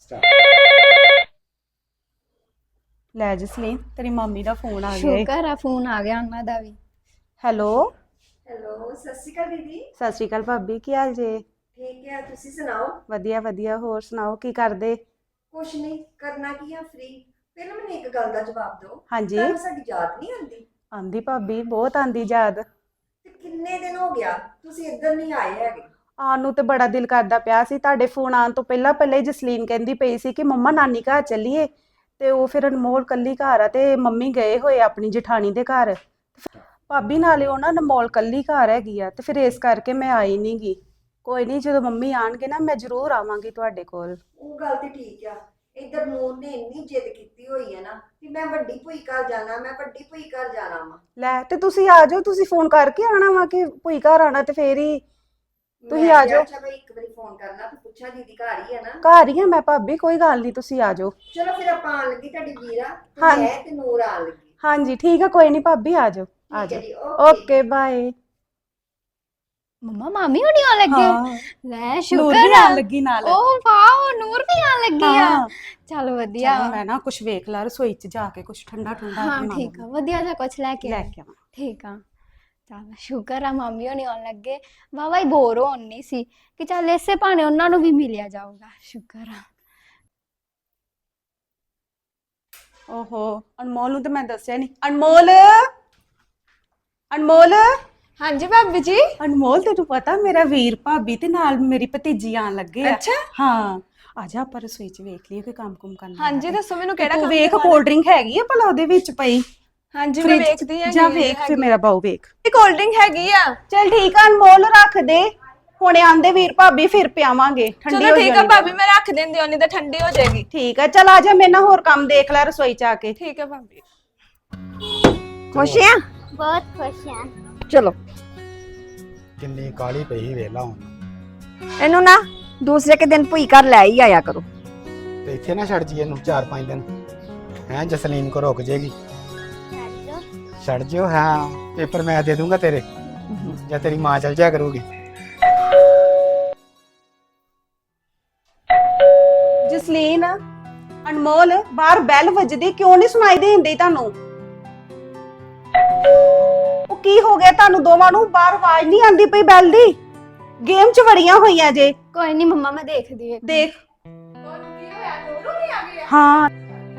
[SPEAKER 6] ਲੈ ਜਸਲੀਨ, ਤੇਰੀ ਮਾਮੀ ਦਾ ਫੋਨ ਆ ਗਿਆ ਏ।
[SPEAKER 4] ਸ਼ੁਕਰ ਆ ਫੋਨ ਆ ਗਿਆ ਉਹਨਾਂ ਦਾ ਵੀ।
[SPEAKER 6] ਹੈਲੋ।
[SPEAKER 3] ਹੈਲੋ, ਸਤਿ ਸ਼੍ਰੀ ਅਕਾਲ ਦੀਦੀ।
[SPEAKER 6] ਸਤਿ ਸ਼੍ਰੀ ਅਕਾਲ ਭਾਬੀ, ਕੀ ਹਾਲ ਜੇ?
[SPEAKER 3] ਠੀਕ ਹੈ, ਤੁਸੀਂ ਸੁਣਾਓ?
[SPEAKER 6] ਵਧੀਆ ਵਧੀਆ, ਹੋਰ ਸੁਣਾਓ ਕੀ ਕਰਦੇ?
[SPEAKER 3] ਕੁਛ ਨਹੀਂ ਕਰਨਾ, ਕੀ ਆ ਫ੍ਰੀ। ਪਹਿਲਾਂ ਮੈਨੂੰ ਇੱਕ ਗੱਲ ਦਾ ਜਵਾਬ ਦਿਓ,
[SPEAKER 6] ਹਾਂਜੀ।
[SPEAKER 3] ਤੁਹਾਨੂੰ ਸਾਡੀ ਯਾਦ ਨਹੀਂ ਆਉਂਦੀ?
[SPEAKER 6] ਆਂਦੀ ਭਾਬੀ, ਬਹੁਤ ਆਂਦੀ ਯਾਦ।
[SPEAKER 3] ਤੇ ਕਿੰਨੇ ਦਿਨ ਹੋ ਗਿਆ ਤੁਸੀਂ ਇੱਧਰ ਨਹੀਂ ਆਏ ਹੈਗੇ?
[SPEAKER 6] ਆਉਣ ਨੂੰ ਤੇ ਬੜਾ ਦਿਲ ਕਰਦਾ ਪਿਆ ਸੀ। ਤੁਹਾਡੇ ਫੋਨ ਆਉਣ ਤੋਂ ਪਹਿਲਾਂ ਪਹਿਲਾਂ ਹੀ ਜਸਲੀਨ ਕਹਿੰਦੀ ਪਈ ਸੀ ਕਿ ਮੰਮਾ ਨਾਨੀ ਘਰ ਚੱਲੀਏ, ਤੇ ਉਹ ਫਿਰ ਅਨਮੋਲ ਕੱਲੀ ਘਰ ਆ, ਤੇ ਮੰਮੀ ਗਏ ਹੋਏ ਆਪਣੀ ਜਠਾਣੀ ਦੇ ਘਰ। ਭਾਬੀ ਨਾਲੇ ਉਹ ਨਾ ਅਨਮੋਲ ਕੱਲੀ ਘਰ ਹੈਗੀ ਆ, ਤੇ ਫਿਰ ਇਸ ਕਰਕੇ ਮੈਂ ਆਈ ਨਹੀਂ ਗੀ। ਕੋਈ ਨਹੀਂ, ਜਦੋਂ ਮੰਮੀ ਆਣਗੇ ਨਾ ਮੈਂ ਜ਼ਰੂਰ ਆਵਾਂਗੀ ਤੁਹਾਡੇ ਕੋਲ।
[SPEAKER 3] ਉਹ ਗੱਲ ਤੇ ਠੀਕ ਆ, ਇੱਧਰ ਨੂਰ ਨੇ ਇੰਨੀ ਜਿੱਦ ਕੀਤੀ ਹੋਈ ਹੈ ਨਾ ਕਿ ਮੈਂ ਵੱਡੀ ਭੂਈ ਘਰ ਜਾਣਾ, ਮੈਂ ਵੱਡੀ ਭੂਈ ਘਰ ਜਾਣਾ ਵਾ।
[SPEAKER 6] ਲੈ, ਤੇ ਤੁਸੀਂ ਆ ਜਾਓ, ਤੁਸੀਂ ਫੋਨ ਕਰਕੇ ਆਣਾ ਵਾ ਕਿ ਭੂਈ ਘਰ ਆਣਾ, ਤੇ ਫੇਰ ਹੀ ਤੁਸੀਂ ਆ ਜਾਓ।
[SPEAKER 3] ਚਲੋ ਇੱਕ ਵਾਰੀ ਫੋਨ ਕਰਨਾ ਤੇ ਪੁੱਛਾਂ ਦੀਦੀ ਘਰ ਹੀ ਆ ਨਾ।
[SPEAKER 6] ਘਰ ਹੀ ਆ ਮੈਂ ਭਾਬੀ, ਕੋਈ ਗੱਲ ਨਹੀਂ, ਤੁਸੀਂ ਆ ਜਾਓ।
[SPEAKER 3] ਚਲੋ ਫਿਰ ਆਪਾਂ ਆਣ ਲੱਗੀ, ਤੁਹਾਡੀ ਵੀਰਾ ਤੇ
[SPEAKER 6] ਹਾਂਜੀ।
[SPEAKER 3] ਮੈਂ ਤੇ ਨੂਰ ਆਣ ਲੱਗੀ।
[SPEAKER 6] ਹਾਂਜੀ ਠੀਕ ਆ, ਕੋਈ ਨਹੀਂ ਭਾਬੀ, ਆ ਜਾਓ ਆ
[SPEAKER 3] ਠੀਕ ਹੈ
[SPEAKER 6] ਜਾਓ।
[SPEAKER 3] ਜੀ, ਓਕੇ।
[SPEAKER 6] Okay bye.
[SPEAKER 4] ਮੰਮਾ ਮਾਮੀ ਹੁਣੀ ਆਉਣ ਲੱਗੇ
[SPEAKER 6] ਹਾਂ
[SPEAKER 4] ਲੈ
[SPEAKER 6] ਨੂਰ
[SPEAKER 4] ਸ਼ੁਕਰ
[SPEAKER 6] ਵੀ
[SPEAKER 4] ਆ
[SPEAKER 6] ਆਉਣ ਲੱਗੀ ਨਾਲ।
[SPEAKER 4] ਓ ਵਾਓ ਨੂਰ ਵੀ ਆਉਣ ਲੱਗੀ ਆ
[SPEAKER 6] ਹਾਂ।
[SPEAKER 4] ਚਲ ਵਧੀਆ
[SPEAKER 6] ਚਲੋ ਮੈਂ ਨਾ ਕੁਝ ਵੇਖ ਲਾ ਰਸੋਈ 'ਚ ਜਾ ਕੇ, ਕੁਝ ਠੰਡਾ ਠੰਡਾ
[SPEAKER 4] ਹਾਂ
[SPEAKER 6] ਬਣਾ
[SPEAKER 4] ਠੀਕ ਆ
[SPEAKER 6] ਲਵਾਂ।
[SPEAKER 4] ਵਧੀਆ ਜਿਹਾ ਕੁਝ ਲੈ ਕੇ
[SPEAKER 6] ਲੈ
[SPEAKER 4] ਆ
[SPEAKER 6] ਕੇ ਆਵਾਂ।
[SPEAKER 4] ਠੀਕ ਆ ਚੱਲ ਸ਼ੁਕਰ ਆ ਮਾਮੀ ਹੁਣੀ ਆਉਣ ਲੱਗੇ ਵਾਵਾ ਹੀ ਬੋਰ ਹੋਣ ਨਹੀਂ ਸੀ ਕਿ ਚੱਲ ਇਸੇ ਭਾਣੇ ਉਹਨਾਂ ਨੂੰ ਵੀ ਮਿਲਿਆ ਜਾਊਗਾ ਸ਼ੁਕਰ ਆ
[SPEAKER 6] ਓਹੋ ਅਨਮੋਲ ਨੂੰ ਤੇ ਮੈਂ ਦੱਸਿਆ ਨਹੀਂ। ਅਨਮੋਲ ਅਨਮੋਲ
[SPEAKER 5] ਹਾਂਜੀ ਭਾਬੀ ਜੀ।
[SPEAKER 6] ਅਨਮੋਲ ਤੈਨੂੰ ਪਤਾ ਮੇਰਾ ਵੀਰ ਭਾਬੀ ਤੇ ਨਾਲ ਮੇਰੀ ਭਤੀਜੀ ਆਣ ਲੱਗੇ ਆ।
[SPEAKER 5] ਅੱਛਾ।
[SPEAKER 6] ਹਾਂ ਆਜਾ ਆਪਾਂ ਰਸੋਈ 'ਚ ਵੇਖ ਲਈਏ ਕੋਈ ਕੰਮ ਕੁਮ ਕਰਨਾ।
[SPEAKER 5] ਹਾਂਜੀ ਦੱਸੋ ਮੈਨੂੰ ਕਿਹੜਾ
[SPEAKER 6] ਤੂੰ
[SPEAKER 5] ਕੰਮ
[SPEAKER 6] ਵੇਖ
[SPEAKER 5] ਕਰਵਾਉਣਾ?
[SPEAKER 6] ਕੋਲਡ ਡਰਿੰਕ ਹੈਗੀ ਆ ਭਲਾ ਉਹਦੇ ਵਿੱਚ ਪਈ।
[SPEAKER 5] ਹਾਂਜੀ ਮੈਂ
[SPEAKER 6] ਫ੍ਰਿਜ 'ਚ।
[SPEAKER 5] ਵੇਖਦੀ ਹਾਂ
[SPEAKER 6] ਜਾ ਵੇਖ ਫਿਰ ਮੇਰਾ ਬਾਊ ਵੇਖ।
[SPEAKER 5] ਇਹ ਕੋਲਡ ਡਰਿੰਕ ਹੈਗੀ ਆ।
[SPEAKER 6] ਚਲ ਠੀਕ ਆ ਅਨਮੋਲ ਰੱਖ ਦੇ, ਹੁਣੇ ਆਂਦੇ ਵੀਰ ਭਾਬੀ ਫਿਰ ਪਿਆਵਾਂਗੇ, ਠੰਡੀ
[SPEAKER 5] ਚਲੋ
[SPEAKER 6] ਹੋ
[SPEAKER 5] ਠੀਕ ਆ
[SPEAKER 6] ਜਾਣੀ।
[SPEAKER 5] ਭਾਬੀ ਮੈਂ ਰੱਖ ਦਿੰਦੀ ਹਾਂ, ਨਹੀਂ ਤਾਂ ਠੰਡੀ ਹੋ ਜਾਏਗੀ।
[SPEAKER 6] ਠੀਕ ਆ ਚਲ ਆ ਜਾ, ਮੇਰੇ ਨਾਲ ਹੋਰ ਕੰਮ ਦੇਖ ਲੈ ਰਸੋਈ 'ਚ ਆ ਕੇ।
[SPEAKER 5] ਠੀਕ ਹੈ ਭਾਬੀ।
[SPEAKER 3] ਖੁਸ਼ ਆ?
[SPEAKER 4] ਬਹੁਤ ਖੁਸ਼ ਆ
[SPEAKER 3] ਚਲੋ
[SPEAKER 2] ਕਿੰਨੀ ਕਾਲੀ ਪਈ ਵੇਲਾ ਹੁਣ।
[SPEAKER 3] ਇਹਨੂੰ ਨਾ ਦੂਸਰੇ ਕੇ ਦਿਨ ਭੂਈ ਘਰ ਲੈ ਹੀ ਆਇਆ ਕਰੋ।
[SPEAKER 2] ਤੇ ਇੱਥੇ ਨਾ ਛੱਡ ਜੀ ਇਹਨੂੰ ਚਾਰ ਪੰਜ ਦਿਨ। ਹੈ ਜਸਲੀਨ ਕੋ ਰੁਕ ਜੇਗੀ। ਛੱਡ ਜਿਓ। ਹਾਂ ਪੇਪਰ ਮੈਂ ਦੇ ਦੂੰਗਾ ਤੇਰੇ, ਜਾਂ ਤੇਰੀ ਮਾਂ ਚਲ ਜਾਇਆ ਕਰੂਗੀ।
[SPEAKER 6] ਜਸਲੀਨ ਅਨਮੋਲ ਬਾਹਰ ਬੈਲ ਵੱਜਦੀ ਕਿਉਂ ਨਹੀਂ ਸੁਣਾਈ ਦੇਂਦੀ ਤੁਹਾਨੂੰ? ਉਹ ਕੀ ਹੋ ਗਿਆ ਤੁਹਾਨੂੰ ਦੋਵਾਂ ਨੂੰ? ਬਾਹਰ ਆਵਾਜ਼ ਨਹੀਂ ਆਂਦੀ ਪਈ ਬੈਲ ਦੀ? ਗੇਮ 'ਚ ਵੜੀਆਂ ਹੋਈਆਂ ਜੇ।
[SPEAKER 4] ਕੋਈ ਨਹੀਂ ਮੰਮਾ ਮੈਂ ਦੇਖਦੀ ਹਾਂ
[SPEAKER 6] ਦੇਖ ਹਾਂ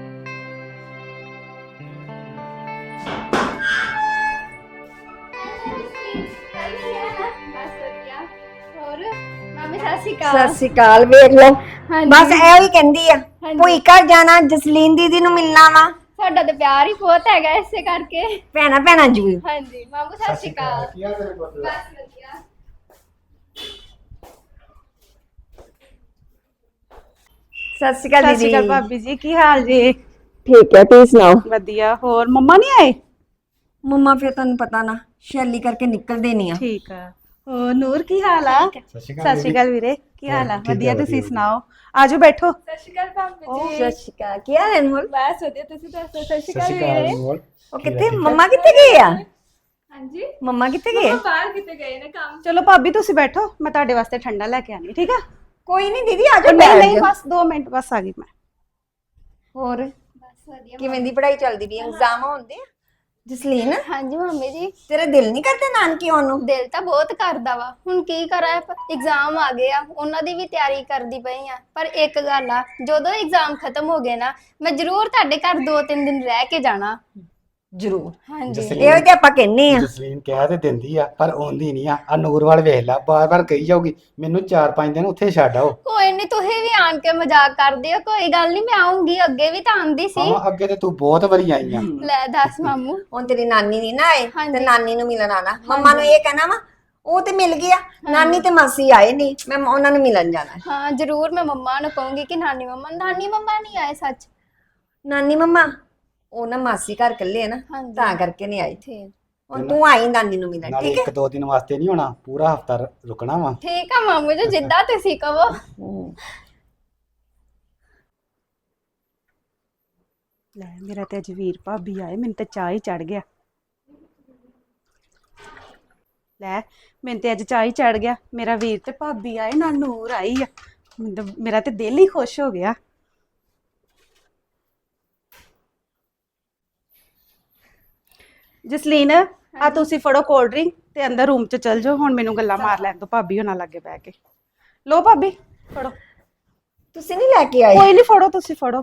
[SPEAKER 4] ਹੋਰ ਮਾਮੀ ਸਤਿ ਸ਼੍ਰੀ
[SPEAKER 3] ਸਤਿ
[SPEAKER 4] ਅਕਾਲ
[SPEAKER 3] ਸ਼੍ਰੀ ਅਕਾਲ। ਵੇਖ ਲਓ
[SPEAKER 4] ਹਾਂਜੀ।
[SPEAKER 3] ਬਸ ਇਹੋ ਹੀ ਕਹਿੰਦੀ ਆ,
[SPEAKER 4] ਹਾਂਜੀ।
[SPEAKER 3] ਭੂਈ ਘਰ ਜਾਣਾ, ਜਸਲੀਨ ਦੀਦੀ ਨੂੰ ਮਿਲਣਾ ਵਾ।
[SPEAKER 4] ਸਾਡਾ ਤੇ ਪਿਆਰ ਹੀ ਬਹੁਤ ਹੈਗਾ ਇਸੇ ਕਰਕੇ
[SPEAKER 3] ਭੈਣਾ ਭੈਣਾ ਜੀ।
[SPEAKER 4] ਹਾਂਜੀ ਮਾਮੂ ਸਤਿ ਸ਼੍ਰੀ ਅਕਾਲ
[SPEAKER 2] ਕੀ ਹਾਲ ਤੇਰੇ ਪੁੱਤ ਦਾ?
[SPEAKER 4] ਬਸ ਵਧੀਆ
[SPEAKER 3] ਸਤਿ ਸ਼੍ਰੀ ਅਕਾਲ
[SPEAKER 6] ਸਤਿ ਸ਼੍ਰੀ
[SPEAKER 3] ਦੀਦੀ।
[SPEAKER 6] ਅਕਾਲ ਭਾਬੀ ਜੀ, ਕੀ ਹਾਲ ਜੀ?
[SPEAKER 3] ਠੀਕ ਹੈ, ਤੁਸੀਂ ਸੁਣਾਓ?
[SPEAKER 6] ਵਧੀਆ। ਹੋਰ ਮੰਮਾ ਨਹੀਂ ਆਏ?
[SPEAKER 3] ਮੰਮਾ ਫਿਰ ਤੁਹਾਨੂੰ ਪਤਾ ਨਾ ਸ਼ੈਲੀ ਕਰਕੇ ਨਿਕਲਦੇ ਨਹੀਂ ਆ।
[SPEAKER 6] ਠੀਕ ਆ। ਹੋਰ ਨੂਰ ਕੀ ਹਾਲ ਆ?
[SPEAKER 2] ਸਤਿ ਸ਼੍ਰੀ
[SPEAKER 6] ਸਤਿ ਸ਼੍ਰੀ ਅਕਾਲ ਵੀਰੇ, ਕੀ ਹਾਲ ਆ?
[SPEAKER 2] ਠੀਕ ਆ,
[SPEAKER 6] ਵਧੀਆ,
[SPEAKER 2] ਵਧੀਆ,
[SPEAKER 6] ਤੁਸੀਂ
[SPEAKER 2] ਵਧੀਆ।
[SPEAKER 6] ਸੁਣਾਓ? ਆਜੋ ਬੈਠੋ।
[SPEAKER 5] ਸਤਿ ਸ਼੍ਰੀ ਅਕਾਲ ਭਾਬੀ ਜੀ।
[SPEAKER 3] ਸਤਿ ਸ਼੍ਰੀ ਅਕਾਲ। ਕੀ ਹਾਲ ਹੈ ਅਨਮੋਲ?
[SPEAKER 5] ਬਸ ਵਧੀਆ, ਤੁਸੀਂ ਦੱਸੋ? ਸਤਿ ਸ਼੍ਰੀ
[SPEAKER 2] ਸਤਿ
[SPEAKER 5] ਅਕਾਲ
[SPEAKER 2] ਸ਼੍ਰੀ ਅਕਾਲ
[SPEAKER 5] ਵੀਰੇ।
[SPEAKER 2] ਅਨਮੋਲ।
[SPEAKER 3] ਉਹ ਕਿੱਥੇ? ਮੰਮਾ ਕਿੱਥੇ ਗਏ ਆ?
[SPEAKER 5] ਹਾਂਜੀ
[SPEAKER 3] ਮੰਮਾ ਕਿੱਥੇ ਗਏ?
[SPEAKER 5] ਮੰਮਾ ਬਾਹਰ ਕਿਤੇ ਗਏ ਨੇ ਕੰਮ।
[SPEAKER 6] ਚਲੋ ਭਾਬੀ ਤੁਸੀਂ ਬੈਠੋ, ਮੈਂ ਤੁਹਾਡੇ ਵਾਸਤੇ ਠੰਡਾ ਲੈ ਕੇ ਆਨੀ, ਠੀਕ ਆ?
[SPEAKER 3] ਕੋਈ ਨਹੀਂ ਦੀਦੀ, ਆ ਜਾਓ।
[SPEAKER 6] ਨਹੀਂ
[SPEAKER 3] ਬੈਠ
[SPEAKER 6] ਨਹੀਂ
[SPEAKER 3] ਜਾਓ।
[SPEAKER 6] ਬਸ ਦੋ ਮਿੰਟ, ਬਸ ਆ ਗਈ ਮੈਂ।
[SPEAKER 3] ਹੋਰ
[SPEAKER 4] ਬਸ ਵਧੀਆ
[SPEAKER 3] ਕਿਵੇਂ ਦੀ ਪੜ੍ਹਾਈ ਚੱਲਦੀ ਪਈ? ਐਗਜ਼ਾਮ ਹੁੰਦੇ ਆ? ਜਸਲੀਨ
[SPEAKER 4] ਹਾਂਜੀ ਮੰਮੀ ਜੀ
[SPEAKER 3] ਤੇਰਾ ਦਿਲ ਨਹੀਂ ਕਰਦਾ ਨਾਨਕੇ ਆਉਣ ਨੂੰ?
[SPEAKER 4] ਦਿਲ ਤਾਂ ਬਹੁਤ ਕਰਦਾ ਵਾ ਹੁਣ ਕੀ ਕਰਾਂ ਐਗਜ਼ਾਮ ਆ ਗਏ ਆ ਉਹਨਾਂ ਦੀ ਵੀ ਤਿਆਰੀ ਕਰਦੀ ਪਈ ਆ ਪਰ ਇੱਕ ਗੱਲ ਆ ਜਦੋਂ ਐਗਜ਼ਾਮ ਖਤਮ ਹੋ ਗਏ ਨਾ ਮੈਂ ਜ਼ਰੂਰ ਤੁਹਾਡੇ ਘਰ ਦੋ ਤਿੰਨ ਦਿਨ ਰਹਿ ਕੇ ਜਾਣਾ
[SPEAKER 3] ਜ਼ਰੂਰ।
[SPEAKER 4] ਹਾਂਜੀ
[SPEAKER 2] ਜਸਲੀਨ-
[SPEAKER 3] ਇਹੋ ਤੇ ਆਪਾਂ ਕਹਿੰਨੇ ਆ।
[SPEAKER 2] ਜਸਲੀਨ ਕਹਿ ਤੇ ਦਿੰਦੀ ਆ ਪਰ ਆਉਂਦੀ ਨਹੀਂ ਆ। ਆ ਨੂਰ ਵਾਲ ਵੇਖ ਲੈ, ਬਾਰ-ਬਾਰ ਕਹੀ ਜਾਊਗੀ ਮੈਨੂੰ ਚਾਰ ਪੰਜ ਦਿਨ ਉੱਥੇ ਛੱਡ ਆਓ।
[SPEAKER 4] ਕੋਈ ਨਹੀਂ ਤੁਸੀਂ ਵੀ ਆਣ ਕੇ ਮਜ਼ਾਕ ਕਰਦੇ ਹੋ ਕੋਈ ਗੱਲ ਨਹੀਂ ਮੈਂ ਆਉਂਗੀ ਅੱਗੇ ਵੀ ਤਾਂ ਆਂਦੀ ਸੀ
[SPEAKER 2] ਹਾਂ ਅੱਗੇ ਤੇ ਤੂੰ ਬਹੁਤ ਵਾਰੀ ਆਈ ਆ।
[SPEAKER 4] ਲੈ ਦੱਸ ਮਾਮੂ
[SPEAKER 3] ਹੁਣ ਤੇਰੀ ਨਾਨੀ ਨਹੀਂ ਨਾ ਆਏ ਤੇ
[SPEAKER 4] ਹਾਂਜੀ।
[SPEAKER 3] ਨਾਨੀ ਨੂੰ ਮਿਲਣ ਆਣਾ। ਮੰਮਾ ਨੂੰ ਇਹ ਕਹਿਣਾ ਵਾ ਉਹ ਤੇ ਮਿਲ ਗਿਆ, ਨਾਨੀ ਤੇ ਮਾਸੀ ਆਏ ਨਹੀਂ, ਮੈਂ ਉਹਨਾਂ ਨੂੰ ਮਿਲਣ ਜਾਣਾ ਹੈ।
[SPEAKER 4] ਹਾਂ ਜ਼ਰੂਰ ਮੈਂ ਮੰਮਾ ਨੂੰ ਕਹੂੰਗੀ ਕਿ ਨਾਨੀ ਮੰਮਾ ਨਾਨੀ ਮੰਮਾ ਨਹੀਂ ਆਏ ਸੱਚ
[SPEAKER 3] ਨਾਨੀ ਮੰਮਾ ਉਹ ਨਾ ਮਾਸੀ ਘਰ ਇਕੱਲੇ ਆ ਨਾ,
[SPEAKER 4] ਹਾਂਜੀ।
[SPEAKER 3] ਤਾਂ ਕਰਕੇ ਨਹੀਂ ਆਈ।
[SPEAKER 4] ਠੀਕ
[SPEAKER 3] ਹੁਣ ਤੂੰ ਆਈ ਨਾਨੀ ਨੂੰ ਮਿਲਣ,
[SPEAKER 2] ਨਾਲੇ
[SPEAKER 3] ਠੀਕ ਹੈ?
[SPEAKER 2] ਇੱਕ ਦੋ ਦਿਨ ਵਾਸਤੇ ਨਹੀਂ ਹੋਣਾ, ਪੂਰਾ ਹਫਤਾ ਰੁਕਣਾ ਵਾ।
[SPEAKER 4] ਠੀਕ ਆ ਮਾਮੂ ਜੀ ਜਿੱਦਾਂ ਤੁਸੀਂ ਕਹੋ
[SPEAKER 3] ਹੂੰ।
[SPEAKER 6] ਲੈ ਮੇਰਾ ਤੇ ਅੱਜ ਵੀਰ ਭਾਬੀ ਆਏ, ਮੈਨੂੰ ਤੇ ਚਾਹ ਹੀ ਚੜ ਗਿਆ। ਲੈ ਮੈਨੂੰ ਤੇ ਅੱਜ ਚਾਹ ਹੀ ਚੜ ਗਿਆ, ਮੇਰਾ ਵੀਰ ਤੇ ਭਾਬੀ ਆਏ, ਨਾਲ ਨੂਰ ਆਈ ਆ। ਮੈਨੂੰ ਤਾਂ- ਮੇਰਾ ਤੇ ਦਿਲ ਹੀ ਖੁਸ਼ ਹੋ ਗਿਆ। ਜਸਲੀਨ ਆ ਤੁਸੀਂ ਫੜੋ ਕੋਲਡ ਡਰਿੰਕ ਤੇ ਅੰਦਰ ਰੂਮ 'ਚ ਚਲ ਜਾਓ, ਹੁਣ ਮੈਨੂੰ ਗੱਲਾਂ ਮਾਰ ਲੈਣ ਦੋ ਭਾਬੀ ਹੋਣਾ ਲੱਗੇ ਬਹਿ ਕੇ। ਲੋ ਭਾਬੀ ਫੜੋ।
[SPEAKER 3] ਤੁਸੀਂ ਨਹੀਂ ਲੈ ਕੇ ਆਏ?
[SPEAKER 6] ਕੋਈ ਨਹੀਂ, ਫੜੋ ਤੁਸੀਂ ਫੜੋ।